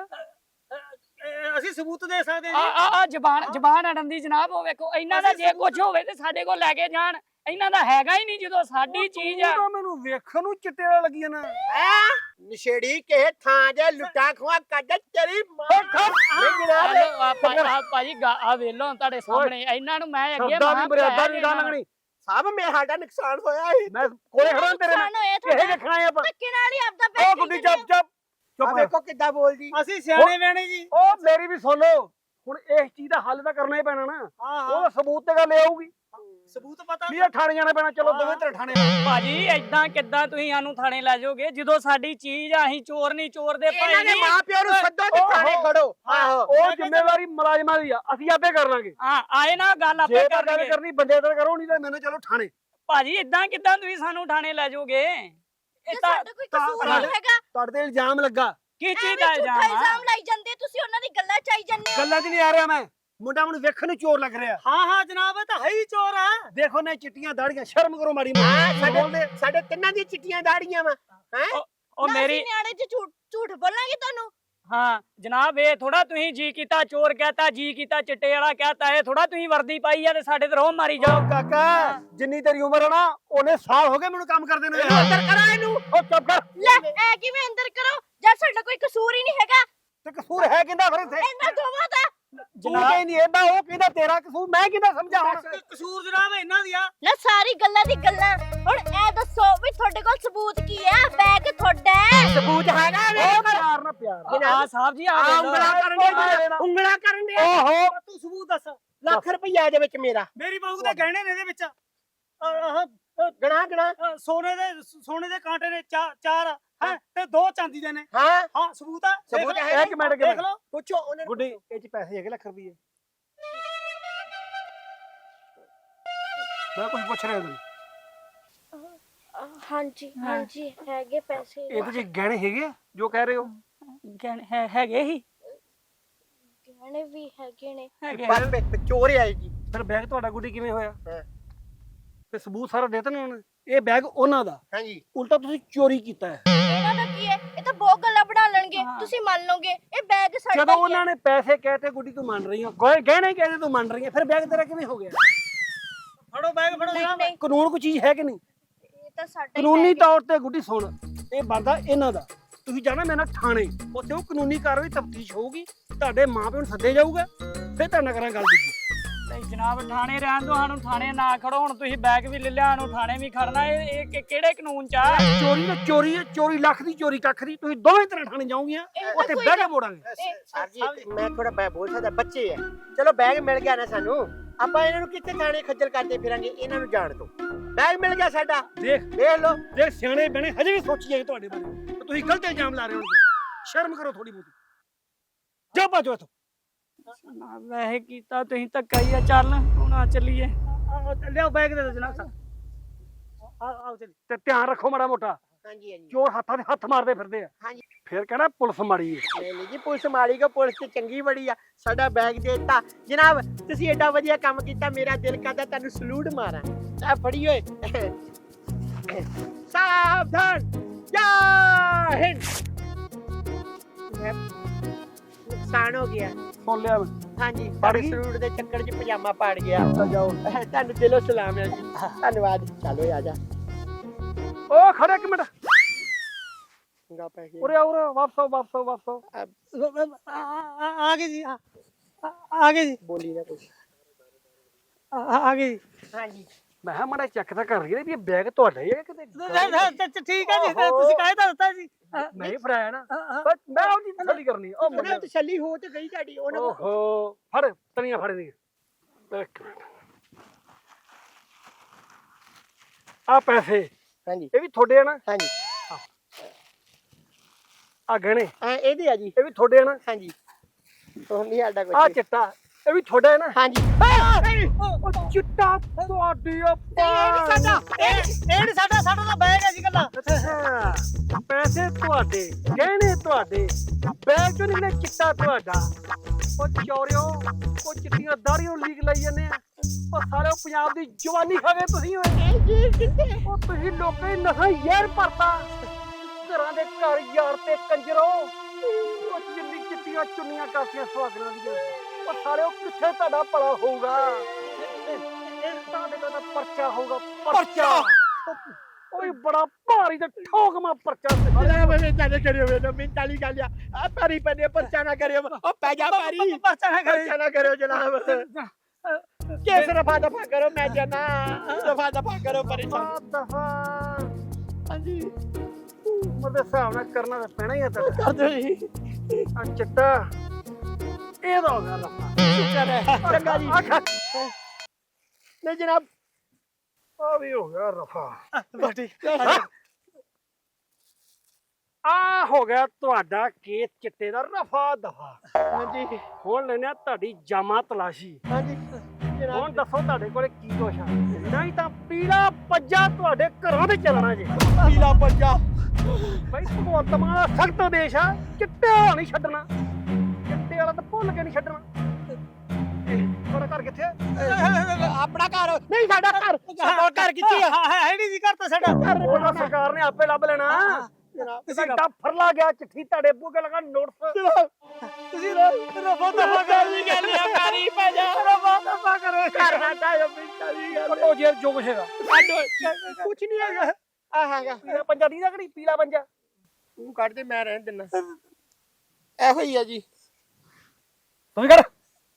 ਅਸੀਂ ਸਬੂਤ ਦੇ ਸਕਦੇ
ਆ ਆ ਆ ਜ਼ਬਾਨ ਜ਼ਬਾਨ ਅੜਨ ਦੀ ਜਨਾਬ ਉਹ ਵੇਖੋ ਇਹਨਾਂ ਦਾ ਜੇ ਕੁਝ ਹੋਵੇ ਤੇ ਸਾਡੇ ਕੋਲ ਲੈ ਕੇ ਜਾਣ ਇਹਨਾਂ ਦਾ ਹੈਗਾ ਹੀ ਨਹੀਂ ਜਦੋਂ ਸਾਡੀ ਚੀਜ਼ ਆ
ਮੈਨੂੰ ਵੇਖਣ ਨੂੰ ਚਿੱਟੇ ਵਾਲਾ ਲੱਗੀਆਂ ਨਾ
ਨਸ਼ੇੜੀ ਕੇ ਥਾਂ ਦੇ ਲੁੱਟਾ ਖਵਾ ਕੱਢ ਤੇਰੀ ਮਾਂ ਨਹੀਂ ਜਨਾਬ
ਹੈਲੋ ਆ ਭਾਈ ਆ ਭਾਜੀ ਗਾ- ਆ ਵੇਲੋ ਤੁਹਾਡੇ ਸਾਹਮਣੇ ਇਹਨਾਂ ਨੂੰ ਮੈਂ ਅੱਗੇ
ਸ਼ਬਦਾਂ ਦੀ
ਮਹਾਂ
ਮਰਿਆਦਾ
ਪਿਆਇਆ
ਨਹੀਂ
ਜੀ
ਗਾ
ਇਹਨਾਂ ਨੂੰ।
ਲੰਗਣੀ
ਸਾਹਿਬ ਮੈਂ ਸਾਡਾ ਨੁਕਸਾਨ ਹੋਇਆ ਸੀ
ਮੈਂ ਕੋਲੇ ਖੜਾ ਤੇਰੇ ਨਾਲ
ਨੁਕਸਾਨ ਹੋਇਆ
ਇਹ
ਤੁਹਾਡਾ
ਦੇਖਣਾ ਹੈ ਆਪਾਂ
ਧੱਕੇ ਨਾਲ ਹੀ ਆਪਦਾ
ਉਹ
ਬੈਗ
ਗੁੱਡੀ ਚੱਪ ਚੱਪ
ਆ
ਚੁੱਪ
ਵੇਖੋ ਕਿੱਦਾਂ ਬੋਲਦੀ
ਅਸੀਂ ਸਿਆਣੇ ਬਿਆਣੇ ਜੀ ਉਹ ਮੇਰੀ ਵੀ ਸੁਣ ਲਓ ਹੁਣ ਇਸ ਚੀਜ਼ ਦਾ ਹੱਲ ਤਾਂ ਕਰਨਾ ਹੀ ਪੈਣਾ ਨਾ ਉਹ ਸਬੂਤ ਤੇ ਗੱਲ ਇਹ ਆਊਗੀ ਸਬੂਤ ਪਤਾ ਵੀ ਇਹ ਥਾਣੇ ਜਾਣਾ ਪੈਣਾ ਚਲੋ ਦੋਵੇਂ ਤੇਰੇ ਥਾਣੇ
ਭਾਜੀ ਏਦਾਂ ਕਿੱਦਾਂ ਤੁਸੀਂ ਸਾਨੂੰ ਥਾਣੇ ਲੈ ਜਾਓਗੇ ਜਦੋਂ ਸਾਡੀ ਚੀਜ਼ ਆ ਅਸੀਂ ਚੋਰ ਨਹੀਂ ਚੋਰ ਦੇ ਭਾਈ
ਇਹਨਾਂ ਦੇ
ਨਹੀਂ
ਮਾਂ ਪਿਓ ਨੂੰ ਸੱਦੋ ਤੇ ਥਾਣੇ ਖੜੋ ਆਹੋ
ਉਹ ਜ਼ਿੰਮੇਵਾਰੀ ਮੁਲਾਜ਼ਮਾਂ ਦੀ ਆ ਅਸੀਂ ਆਪੇ ਕਰ ਲਾਂਗੇ
ਹਾਂ ਆਏ ਨਾ ਗੱਲ ਆਪੇ
ਜੇ ਤਾਂ ਗੱਲ
ਕਰਨਗੇ
ਕਰਨੀ ਬੰਦੇ ਤਾਂ ਕਰੋ ਨਹੀਂ ਤਾਂ ਮੈਨੂੰ ਚਲੋ ਥਾਣੇ
ਭਾਜੀ ਏਦਾਂ ਕਿੱਦਾਂ ਤੁਸੀਂ ਸਾਨੂੰ ਥਾਣੇ ਲੈ ਜਾਓਗੇ ਇਹ
ਜੇ
ਤਾਂ
ਸਾਡਾ ਕੋਈ ਕਸੂਰ ਨਹੀਂ ਹੈਗਾ
ਤੁਹਾਡੇ ਤੇ ਇਲਜ਼ਾਮ ਲੱਗਾ
ਕੀ ਚੀਜ਼
ਐਵੇਂ
ਦਾ
ਝੂਠਾ
ਇਲਜ਼ਾਮ ਆ
ਇਲਜ਼ਾਮ ਲਾਈ ਜਾਂਦੇ ਤੁਸੀਂ ਉਹਨਾਂ ਦੀ ਗੱਲਾਂ ਚ ਆਈ ਜਾਂਦੇ ਹੋ
ਗੱਲਾਂ 'ਚ ਨਹੀਂ ਆ ਰਿਹਾ ਮੈਂ ਮੁੰਡਾ ਮੈਨੂੰ ਵੇਖਣ ਨੂੰ ਚੋਰ ਲੱਗ ਰਿਹਾ ਹਾਂ ਹਾਂ ਜਨਾਬ ਇਹ ਤਾਂ ਹੈ ਹੀ ਚੋਰ ਆ ਦੇਖੋ ਨੇ ਚਿੱਟੀਆਂ ਦਾੜੀਆਂ ਸ਼ਰਮ ਕਰੋ ਮਾੜੀ
ਹਾਂ
ਮੋਟੀ
ਸਾਡੇ ਸਾਡੇ ਤਿੰਨਾਂ ਦੀਆਂ ਚਿੱਟੀਆਂ ਦਾੜੀਆਂ ਵਾ ਹੈ
ਉਹ
ਨਾ
ਮੇਰੀ
ਅਸੀਂ ਨਿਆਣੇ ਚ ਝੂਠ ਝੂਠ ਬੋਲਾਂਗੇ ਤੁਹਾਨੂੰ
ਹਾਂ ਜਨਾਬ ਇਹ ਥੋੜਾ ਤੁਸੀਂ ਜੀ ਕੀਤਾ ਚੋਰ ਕਹਤਾ ਜੀ ਕੀਤਾ ਚਿੱਟੇ ਵਾਲਾ ਕਹਤਾ ਇਹ ਥੋੜਾ ਤੁਸੀਂ ਵਰਦੀ ਪਾਈ ਆ ਤੇ ਸਾਡੇ ਤੇ ਰੋਹ ਮਾਰੀ ਜਾਓ।
ਕਾਕਾ ਜਿੰਨੀ ਤੇਰੀ ਉਮਰ ਹੈ ਨਾ ਉਹਨੇ ਸਾਲ ਹੋ ਗਏ ਮੈਨੂੰ ਕੰਮ ਕਰਦੇ ਨੂੰ।
ਅੰਦਰ ਕਰਾ ਇਹਨੂੰ।
ਉਹ ਚੁੱਪ ਕਰ।
ਲੈ ਐ ਕਿਵੇਂ ਅੰਦਰ ਕਰੋ ਜਦ ਸਾਡਾ ਕੋਈ ਕਸੂਰ ਹੀ ਨਹੀਂ ਹੈਗਾ।
ਤੇ ਕਸੂਰ ਹੈ ਕਿੰਦਾ ਫਿਰ ਇੱਥੇ?
ਇਹਨਾਂ ਦੋਵਾਂ ਦਾ।
ਤੂੰ ਕਹਿੰਦੀ ਇਹਦਾ ਉਹ ਕਹਿੰਦਾ ਤੇਰਾ ਕਸੂਰ, ਮੈਂ ਕਿੰਦਾ ਸਮਝਾ ਹੁਣ?
ਕਸੂਰ ਜਨਾਬ ਇਹਨਾਂ ਦੀ ਆ।
ਨਾ ਸਾਰੀ ਗੱਲਾਂ ਦੀ ਗੱਲਾਂ ਹੁਣ ਇਹ ਦੱਸੋ ਵੀ ਤੁਹਾਡੇ ਕੋਲ ਸਬੂਤ ਕੀ ਹੈ? ਬੈਗ ਤੁਹਾਡਾ ਹੈ।
ਸਬੂਤ ਹੈਗਾ
ਉਹ ਪਿਆਰ ਨਾ ਪਿਆਰ।
ਆ ਸਾਹਿਬ ਜੀ ਆ
ਆ ਉਂਗਲਾਂ ਕਰਨ ਦੇ ਉਂਗਲਾਂ ਕਰਨ ਦੇ।
ਓਹੋ
ਤੂੰ ਸਬੂਤ ਦੱਸ।
ਲੱਖ ਰੁਪਈਆ ਇਹਦੇ ਵਿੱਚ ਮੇਰਾ।
ਮੇਰੀ ਬਹੂ ਦੇ ਗਹਿਣੇ ਨੇ ਇਹਦੇ ਵਿੱਚ ਆਹ
ਗਣਾ ਗਣਾ
ਸੋਨੇ ਦੇ ਸੋਨੇ ਦੇ ਕਾਂਟੇ ਨੇ ਚਾਰ ਹੈ ਤੇ ਦੋ ਚਾਂਦੀ ਦੇ ਨੇ।
ਹਾਂ
ਹਾਂ ਸਬੂਤ ਆ।
ਸਬੂਤ ਹੈ।
ਇੱਕ ਮਿੰਟ
ਦੇਖ ਲਓ।
ਪੁੱਛੋ ਉਹਨਾਂ ਨੂੰ।
ਗੁੱਡੀ ਇਹ ਚ ਪੈਸੇ ਹੈਗੇ ਲੱਖ ਰੁਪਏ? ਮੈਂ ਕੁਝ ਪੁੱਛ ਰਿਹਾ ਤੈਨੂੰ।
ਹਾਂਜੀ ਹਾਂਜੀ ਹੈਗੇ ਪੈਸੇ।
ਇਹਦੇ ਚ ਗਹਿਣੇ ਹੈਗੇ ਆ ਜੋ ਕਹਿ ਰਹੇ ਹੋ?
ਗਹਿਣੇ ਹੈਗੇ ਹੀ
ਗਹਿਣੇ ਵੀ ਹੈਗੇ ਨੇ।
ਬਸ ਚੋਰ ਆਏ ਜੀ।
ਫਿਰ ਬੈਗ ਤੁਹਾਡਾ ਗੁੱਡੀ ਕਿਵੇਂ ਹੋਇਆ?
ਹਾਂ।
ਤੇ ਸਬੂਤ ਸਾਰਾ ਦੇਤਾ ਨਾ ਉਹਨੇ। ਇਹ ਬੈਗ ਉਹਨਾਂ ਦਾ,
ਹਾਂਜੀ
ਉਲਟਾ ਤੁਸੀਂ ਚੋਰੀ ਕੀਤਾ ਹੈ।
ਇਹਨਾਂ ਦਾ ਕੀ ਹੈ? ਇਹ ਤਾਂ ਬਹੁਤ ਗੱਲਾਂ ਬਣਾ ਲੈਣਗੇ, ਤੁਸੀਂ ਮੰਨ ਲਓਗੇ ਇਹ ਬੈਗ ਸਾਡਾ
ਜਦੋਂ
ਹੀ ਹੈ।
ਉਹਨਾਂ ਨੇ ਪੈਸੇ ਕਹਤੇ ਗੁੱਡੀ ਤੂੰ ਮੰਨ ਰਹੀ ਹੈ, ਗਏ ਗਹਿਣੇ ਕਹਤੇ ਤੂੰ ਮੰਨ ਰਹੀ ਹੈ, ਫਿਰ ਬੈਗ ਤੇਰਾ ਕਿਵੇਂ ਹੋ ਗਿਆ?
ਫੜੋ ਬੈਗ ਫੜੋ
ਨਹੀਂ
ਜਨਾਬ।
ਨਹੀਂ
ਕਾਨੂੰਨ ਕੋਈ ਚੀਜ਼ ਹੈ ਕਿ ਨਹੀਂ?
ਇਹ ਤਾਂ ਸਾਡਾ ਹੀ
ਕਾਨੂੰਨੀ
bag ਹੈ।
ਤੌਰ ਤੇ ਗੁੱਡੀ ਸੁਣ, ਇਹ ਬਣਦਾ ਇਹਨਾਂ ਦਾ। ਤੁਸੀਂ ਜਾਣਾ ਮੇਰੇ ਨਾਲ ਥਾਣੇ, ਉੱਥੇ ਉਹ ਕਾਨੂੰਨੀ ਕਾਰਵਾਈ ਤਫਤੀਸ਼ ਹੋਊਗੀ, ਤੁਹਾਡੇ ਮਾਪਿਆਂ ਨੂੰ ਸੱਦੇ ਜਾਊਗਾ, ਫਿਰ ਤੁਹਾਡੇ ਨਾਲ ਕਰਾਂ ਗੱਲ ਦੂਜੀ।
ਨਹੀਂ ਜਨਾਬ ਥਾਣੇ ਰਹਿਣ ਦੋ, ਸਾਨੂੰ ਥਾਣੇ ਨਾ ਖੜੋ। ਹੁਣ ਤੁਸੀਂ ਬੈਗ ਵੀ ਲੈ ਲਿਆ, ਸਾਨੂੰ ਥਾਣੇ ਵੀ ਖੜਨਾ। ਇਹ ਇਹ ਕਿ- ਕਿਹੜੇ ਕਾਨੂੰਨ ਚ ਆ?
ਚੋਰੀ ਤਾਂ ਚੋਰੀ ਹੈ, ਚੋਰੀ ਲੱਖ ਦੀ ਚੋਰੀ ਕੱਖ ਦੀ। ਤੁਸੀਂ ਦੋਵੇਂ ਤਰ੍ਹਾਂ ਥਾਣੇ ਜਾਓਗੀਆਂ,
ਇਹ ਤਾਂ
ਉੱਥੇ
ਕੋਈ
ਬਹਿ ਕੇ
ਗੱਲ-
ਮੋੜਾਂਗੇ।
ਸਰ ਜੀ ਮੈਂ ਥੋੜਾ ਬੈ ਬੋਲ ਸਕਦਾ, ਬੱਚੇ ਆ। ਚਲੋ ਬੈਗ ਮਿਲ ਗਿਆ ਨਾ ਸਾਨੂੰ, ਆਪਾਂ ਇਹਨਾਂ ਨੂੰ ਕਿੱਥੇ ਥਾਣੇ ਖੱਜਲ ਕਰਦੇ ਫਿਰਾਂਗੇ? ਇਹਨਾਂ ਨੂੰ ਜਾਣ ਦਿਓ। ਬੈਗ ਮਿਲ ਗਿਆ ਸਾਡਾ,
ਦੇਖ
ਦੇਖ ਲਓ।
ਦੇਖ ਸਿਆਣੇ ਬਣੇ ਹਜੇ ਵੀ ਸੋਚੀ ਜਾਏ ਤੁਹਾਡੇ ਬਾਰੇ, ਤੇ ਤੁਸੀਂ ਗਲਤ ਇਲਜ਼ਾਮ ਲਾ ਰਹੇ ਹੋ। ਸ਼ਰਮ ਕਰੋ ਥੋੜੀ ਬਹੁਤੀ। ਜਾ ਬਾਜੋ ਇੱਥੋਂ।
ਨਾ ਵੈਸੇ ਕੀਤਾ ਤੁਸੀਂ ਧੱਕਾ ਹੀ ਆ। ਚੱਲ ਹੁਣ ਆ ਚੱਲੀਏ।
ਲਿਆਓ ਬੈਗ ਦੇ ਦਿਓ ਜਨਾਬ ਸਾਹਿਬ। ਆਓ ਚਲੀ। ਤੇ ਧਿਆਨ ਰੱਖੋ ਮਾੜਾ ਮੋਟਾ,
ਹਾਂਜੀ ਹਾਂਜੀ
ਚੋਰ ਹੱਥਾਂ ਦੇ ਹੱਥ ਮਾਰਦੇ ਫਿਰਦੇ ਆ।
ਹਾਂਜੀ।
ਫਿਰ ਕਹਿਣਾ ਪੁਲਿਸ ਮਾੜੀ ਹੈ।
ਨਹੀਂ ਨਹੀਂ ਜੀ, ਪੁਲਿਸ ਮਾੜੀ ਕੋ, ਪੁਲਿਸ ਤੇ ਚੰਗੀ ਬੜੀ ਆ। ਸਾਡਾ ਬੈਗ ਦੇ ਦਿੱਤਾ ਜਨਾਬ, ਤੁਸੀਂ ਏਡਾ ਵਧੀਆ ਕੰਮ ਕੀਤਾ, ਮੇਰਾ ਦਿਲ ਕਰਦਾ ਤੁਹਾਨੂੰ ਸਲੂਟ ਮਾਰਾਂ। ਆ ਫੜੀ ਓਏ। ਸਾਵਧਾਨ ਜੈ ਹਿੰਦ। ਨੁਕਸਾਨ ਹੋ ਗਿਆ।
ਸੁਣ ਲਿਆ ਮੈਂ।
ਹਾਂਜੀ
ਪੜ
ਤੁਹਾਡੇ
ਗਈ?
ਸਲੂਟ ਦੇ ਚੱਕਰ 'ਚ ਪਜਾਮਾ ਪਾੜ ਗਿਆ।
ਤਾਂ ਜਾਓ।
ਤੁਹਾਨੂੰ ਦਿਲੋਂ ਸਲਾਮ ਹੈ ਜੀ, ਧੰਨਵਾਦ। ਚਲੋ ਆ ਜਾ।
ਉਹ ਖੜੇ ਇੱਕ ਮਿੰਟ,
ਗਾ ਪੈ ਗਏ।
ਉਰੇ ਆਓ, ਉਰੇ ਆਓ, ਵਾਪਸ ਆਓ, ਵਾਪਸ ਆਓ, ਵਾਪਸ ਆਓ।
ਆ ਗਏ ਜੀ ਆ ਆ ਗਏ ਜੀ
ਬੋਲੀ ਨਾ ਕੁਛ।
ਆ ਗਏ ਜੀ।
ਹਾਂਜੀ
ਮੈਂ ਕਿਹਾ ਮਾੜਾ ਚੈੱਕ ਤਾਂ ਕਰ ਰਹੀ ਹੈ ਵੀ ਇਹ ਬੈਗ ਤੁਹਾਡਾ ਹੀ ਹੈ ਕਿਤੇ।
ਠੀਕ ਹੈ ਜੀ ਤੁਸੀਂ ਕਾਹੇ ਦਾ ਦਿੱਤਾ ਜੀ?
ਮੈਂ ਹੀ ਫੜਾਇਆ ਨਾ, ਬਸ ਮੈਂ ਉਹਦੀ ਤਸੱਲੀ ਕਰਨੀ। ਉਹ
ਉਹਨਾਂ
ਮੁੰਡੇ
ਤਸੱਲੀ ਹੋ ਤੇ ਗਈ ਤੁਹਾਡੀ। ਉਹਨਾਂ ਕੋਲ
ਓਹੋ ਫੜ ਤਣੀਆਂ ਫੜ ਦੀਆਂ। ਇੱਕ ਮਿੰਟ, ਆ ਪੈਸੇ
ਹਾਂਜੀ
ਇਹ ਵੀ ਤੁਹਾਡੇ ਆ ਨਾ?
ਹਾਂਜੀ
ਆ ਗਹਿਣੇ
ਆ ਇਹਦੇ ਆ ਜੀ।
ਇਹ ਵੀ ਤੁਹਾਡੇ ਆ ਨਾ?
ਹਾਂਜੀ ਉਹ ਨਹੀਂ ਸਾਡਾ
ਆ
ਕੁਛ।
ਚਿੱਟਾ ਇਹ ਵੀ ਤੁਹਾਡਾ ਹੈ ਨਾ?
ਹਾਂਜੀ
ਉਹ ਚਿੱਟਾ ਤੁਹਾਡੀ ਆ
ਸਾਡਾ
ਇਹ ਨਹੀਂ ਸਾਡਾ ਸਾਡਾ ਤਾਂ ਬੈਗ ਹੈ ਜੀ ਕੱਲਾ।
ਅੱਛਾ, ਪੈਸੇ ਤੁਹਾਡੇ, ਗਹਿਣੇ ਤੁਹਾਡੇ, ਬੈਗ ਚੋਂ ਨਿਕਲੇ ਚਿੱਟਾ ਤੁਹਾਡਾ। ਉਹ ਚੋਰਿਓ, ਉਹ ਚਿੱਟੀਆਂ ਦਾੜੀਆਂ ਲੀਕ ਲਾਈ ਜਾਂਦੇ ਆ। ਉਹ ਸਾਰੇ ਪੰਜਾਬ ਦੀ ਜਵਾਨੀ ਖਾ ਗਏ ਤੁਸੀਂ ਓਏ। ਉਹ ਤੁਸੀਂ ਲੋਕਾਂ ਦੀ ਨਸਾਂ ਯਾਰ ਭਰਤਾ, ਘਰਾਂ ਦੇ ਘਰ ਯਾਰ ਤੇ ਕੰਜਰੋ। ਉਹ ਜਿੰਨੀ ਚਿੱਟੀਆਂ ਚੁੰਨੀਆਂ ਕਾਸੀਆਂ ਸੁਹਾਗਣਾਂ ਦੀਆਂ। ਉਹ ਸਾਰੇ ਉਹ ਕਿੱਥੇ ਤੁਹਾਡਾ ਭਲਾ ਹੋਊਗਾ? ਇਹ ਤੁਹਾਡੇ ਦਾ ਪਰਚਾ ਹੋਊਗਾ, ਪਰਚਾ। ਓਏ ਬੜਾ ਭਾਰੀ ਤੇ ਠੋਕਮਾ ਪਰਚਾ।
ਅਰੇ ਮੈਂ ਜਾਣੇ ਕਰਿਓ ਮੈਨੂੰ ਮਿੰਟ ਵਾਲੀ ਗੱਲ ਆ। ਆ ਪੈਰੀ ਪੈਨੇ ਪਰਚਾ ਨਾ ਕਰਿਓ। ਉਹ ਪੈ ਜਾ ਪੈਰੀ।
ਪਰਚਾ ਨਾ ਕਰਿਓ।
ਪਰਚਾ ਨਾ ਕਰਿਓ ਜਨਾਬ। ਕੇਸ ਰਫਾ ਦਫਾ ਕਰੋ, ਮੈਂ ਜਾਨਾ। ਦਫਾ ਦਫਾ ਕਰੋ ਪਰੇਸ਼ਾਨ।
ਦਫਾ
ਹਾਂਜੀ
ਉਹਦੇ ਹਿਸਾਬ ਨਾਲ ਕਰਨਾ ਤਾਂ ਪੈਣਾ ਹੀ ਆ ਤੁਹਾਡਾ।
ਕਰ ਦਿਓ ਜੀ।
ਆ ਚਿੱਟਾ ਇਹਦਾ ਹੋ ਗਿਆ ਲਫਾ।
ਸ਼ੁਕਰ ਹੈ। ਚੰਗਾ ਜੀ। ਨਹੀਂ ਜਨਾਬ
ਆ ਵੀ ਹੋ ਗਿਆ ਰਫਾ।
ਠੀਕ
ਆ ਹੋ ਗਿਆ ਤੁਹਾਡਾ ਕੇਸ ਚਿੱਟੇ ਦਾ ਰਫਾ ਦਫਾ।
ਹਾਂਜੀ
ਹੁਣ ਲੈਣਾ ਤੁਹਾਡੀ ਜਾਮਾ ਤਲਾਸ਼ੀ।
ਹਾਂਜੀ
ਹੁਣ
ਜਨਾਬ
ਦੱਸੋ ਤੁਹਾਡੇ ਕੋਲੇ ਕੀ ਕੁਛ ਆ? ਨਹੀਂ ਤਾਂ ਪੀਲਾ ਪੱਜਾ ਤੁਹਾਡੇ ਘਰਾਂ ਤੇ ਚੱਲਣਾ ਜੇ।
ਪੀਲਾ ਪੱਜਾ।
ਬਈ ਭਗਵੰਤ ਮਾਨ ਦਾ ਸਖਤ ਆਦੇਸ਼ ਆ, ਚਿੱਟੇ ਵਾਲਾ ਨਹੀਂ ਛੱਡਣਾ। ਚਿੱਟੇ ਵਾਲਾ ਤਾਂ ਭੁੱਲ ਕੇ ਨਹੀਂ ਛੱਡਣਾ। ਤੁਹਾਡਾ ਘਰ ਕਿੱਥੇ ਆ?
ਆਪਣਾ ਘਰ ਨਹੀਂ, ਸਾਡਾ ਘਰ। ਸਾਡਾ ਘਰ ਕਿੱਥੇ ਆ?
ਹੈ ਨਹੀਂ ਜੀ ਘਰ ਤਾਂ ਸਾਡਾ।
ਉਹਦਾ ਸਰਕਾਰ ਨੇ ਆਪੇ ਲੱਭ ਲੈਣਾ।
ਜਨਾਬ
ਤੁਸੀਂ ਡੱਫਰ ਲਾ ਗਿਆ ਚਿੱਠੀ ਤੁਹਾਡੇ ਬੂਗੇ ਲਗਾ ਨੋਟਿਸ
ਜਨਾਬ ਤੁਸੀਂ ਰਫਾ ਦਫਾ ਕਰ ਵੀ ਗੱਲ ਆ ਕਰੀ ਪੈ ਜਾ ਰਫਾ ਦਫਾ ਕਰੋ ਕਰਨਾ ਚਾਹੀਦਾ ਪਿੰਡਾ ਦੀ ਗੱਲ
ਕੱਟੋ ਜੇ ਜੋ ਕੁਛ ਹੈਗਾ
ਕੁਛ ਨਹੀਂ ਹੈਗਾ ਆ ਹੈਗਾ
ਪੀਲਾ ਪੰਜਾ ਦੀ ਨਾ ਕਿਹੜੀ ਪੀਲਾ ਪੰਜਾ
ਤੂੰ ਕੱਢ ਦੇ ਮੈਂ ਰਹਿਣ ਦਿੰਦਾ ਇਹੋ ਹੀ ਆ ਜੀ
ਤੁਸੀਂ ਕਰ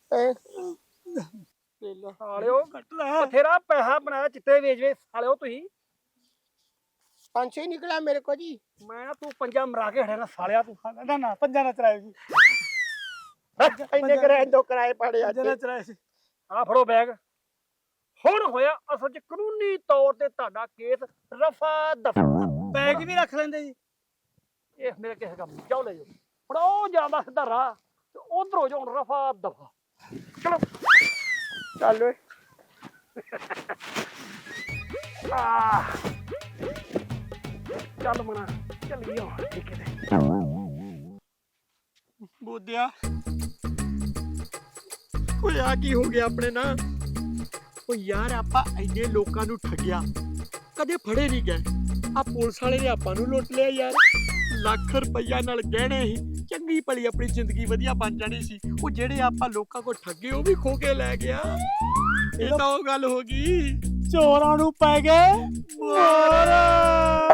ਲੈ ਲਾ
ਸਾਲਿਓ ਬਥੇਰਾ ਪੈਸਾ ਬਣਾਇਆ ਚਿੱਟੇ ਵੇਚ ਵੇ ਸਾਲਿਓ ਤੁਸੀਂ
ਪੰਜ ਛੇ ਨਿਕਲਿਆ ਮੇਰੇ ਕੋ ਜੀ
ਮੈਂ ਨਾ ਤੂੰ ਪੰਜਾ ਮਰਾ ਕੇ ਹੜੇ ਨਾ ਸਾਲਿਆ ਤੂੰ
ਨਾ ਨਾ ਪੰਜਾ ਨਾ ਚਰਾਏ ਜੀ ਇੰਨੇ ਕਰਾਏ ਦੋ ਕਿਰਾਏ ਪਾੜੇ ਅੱਜ
ਨਾ ਚਰਾਏ ਸੀ ਆ ਫੜੋ ਬੈਗ ਹੁਣ ਹੋਇਆ ਅਸਲ ਚ ਕਾਨੂੰਨੀ ਤੌਰ ਤੇ ਤੁਹਾਡਾ ਕੇਸ ਰਫਾ ਦਫਾ
ਬੈਗ ਵੀ ਰੱਖ ਲੈਂਦੇ ਜੀ
ਇਹ ਮੇਰੇ ਕਿਸੇ ਕੰਮ ਨਹੀਂ ਜਾਓ ਲੈ ਜਾਓ ਫੜੋ ਜਾਂਦਾ ਸਿੱਧਾ ਰਾਹ ਤੇ ਉਧਰੋਂ ਜਾਉਣ ਰਫਾ ਦਫਾ ਚਲੋ
ਚੱਲ ਓਏ
ਆ ਚੱਲ ਮਣਾ ਚੱਲੀਏ ਹੁਣ ਠੀਕ ਹੈ
ਬੋਦਿਆ ਓਏ ਆ ਕੀ ਹੋ ਗਿਆ ਆਪਣੇ ਨਾਲ ਓ ਯਾਰ ਆਪਾਂ ਇੰਨੇ ਲੋਕਾਂ ਨੂੰ ਠੱਗਿਆ ਕਦੇ ਫੜੇ ਨਹੀਂ ਗਏ ਆ ਪੁਲਿਸ ਵਾਲੇ ਨੇ ਆਪਾਂ ਨੂੰ ਲੁੱਟ ਲਿਆ ਯਾਰ ਲੱਖ ਰੁਪਈਆ ਨਾਲ ਗਹਿਣੇ ਸੀ ਚੰਗੀ ਭਲੀ ਆਪਣੀ ਜ਼ਿੰਦਗੀ ਵਧੀਆ ਬਣ ਜਾਣੀ ਸੀ ਉਹ ਜਿਹੜੇ ਆਪਾਂ ਲੋਕਾਂ ਕੋਲ ਠੱਗੇ ਉਹ ਵੀ ਖੋ ਕੇ ਲੈ ਗਿਆ ਇਹ ਤਾਂ ਉਹ ਗੱਲ ਹੋ ਗਈ ਚੋਰਾਂ ਨੂੰ ਪੈ ਗਏ ਮੋਰ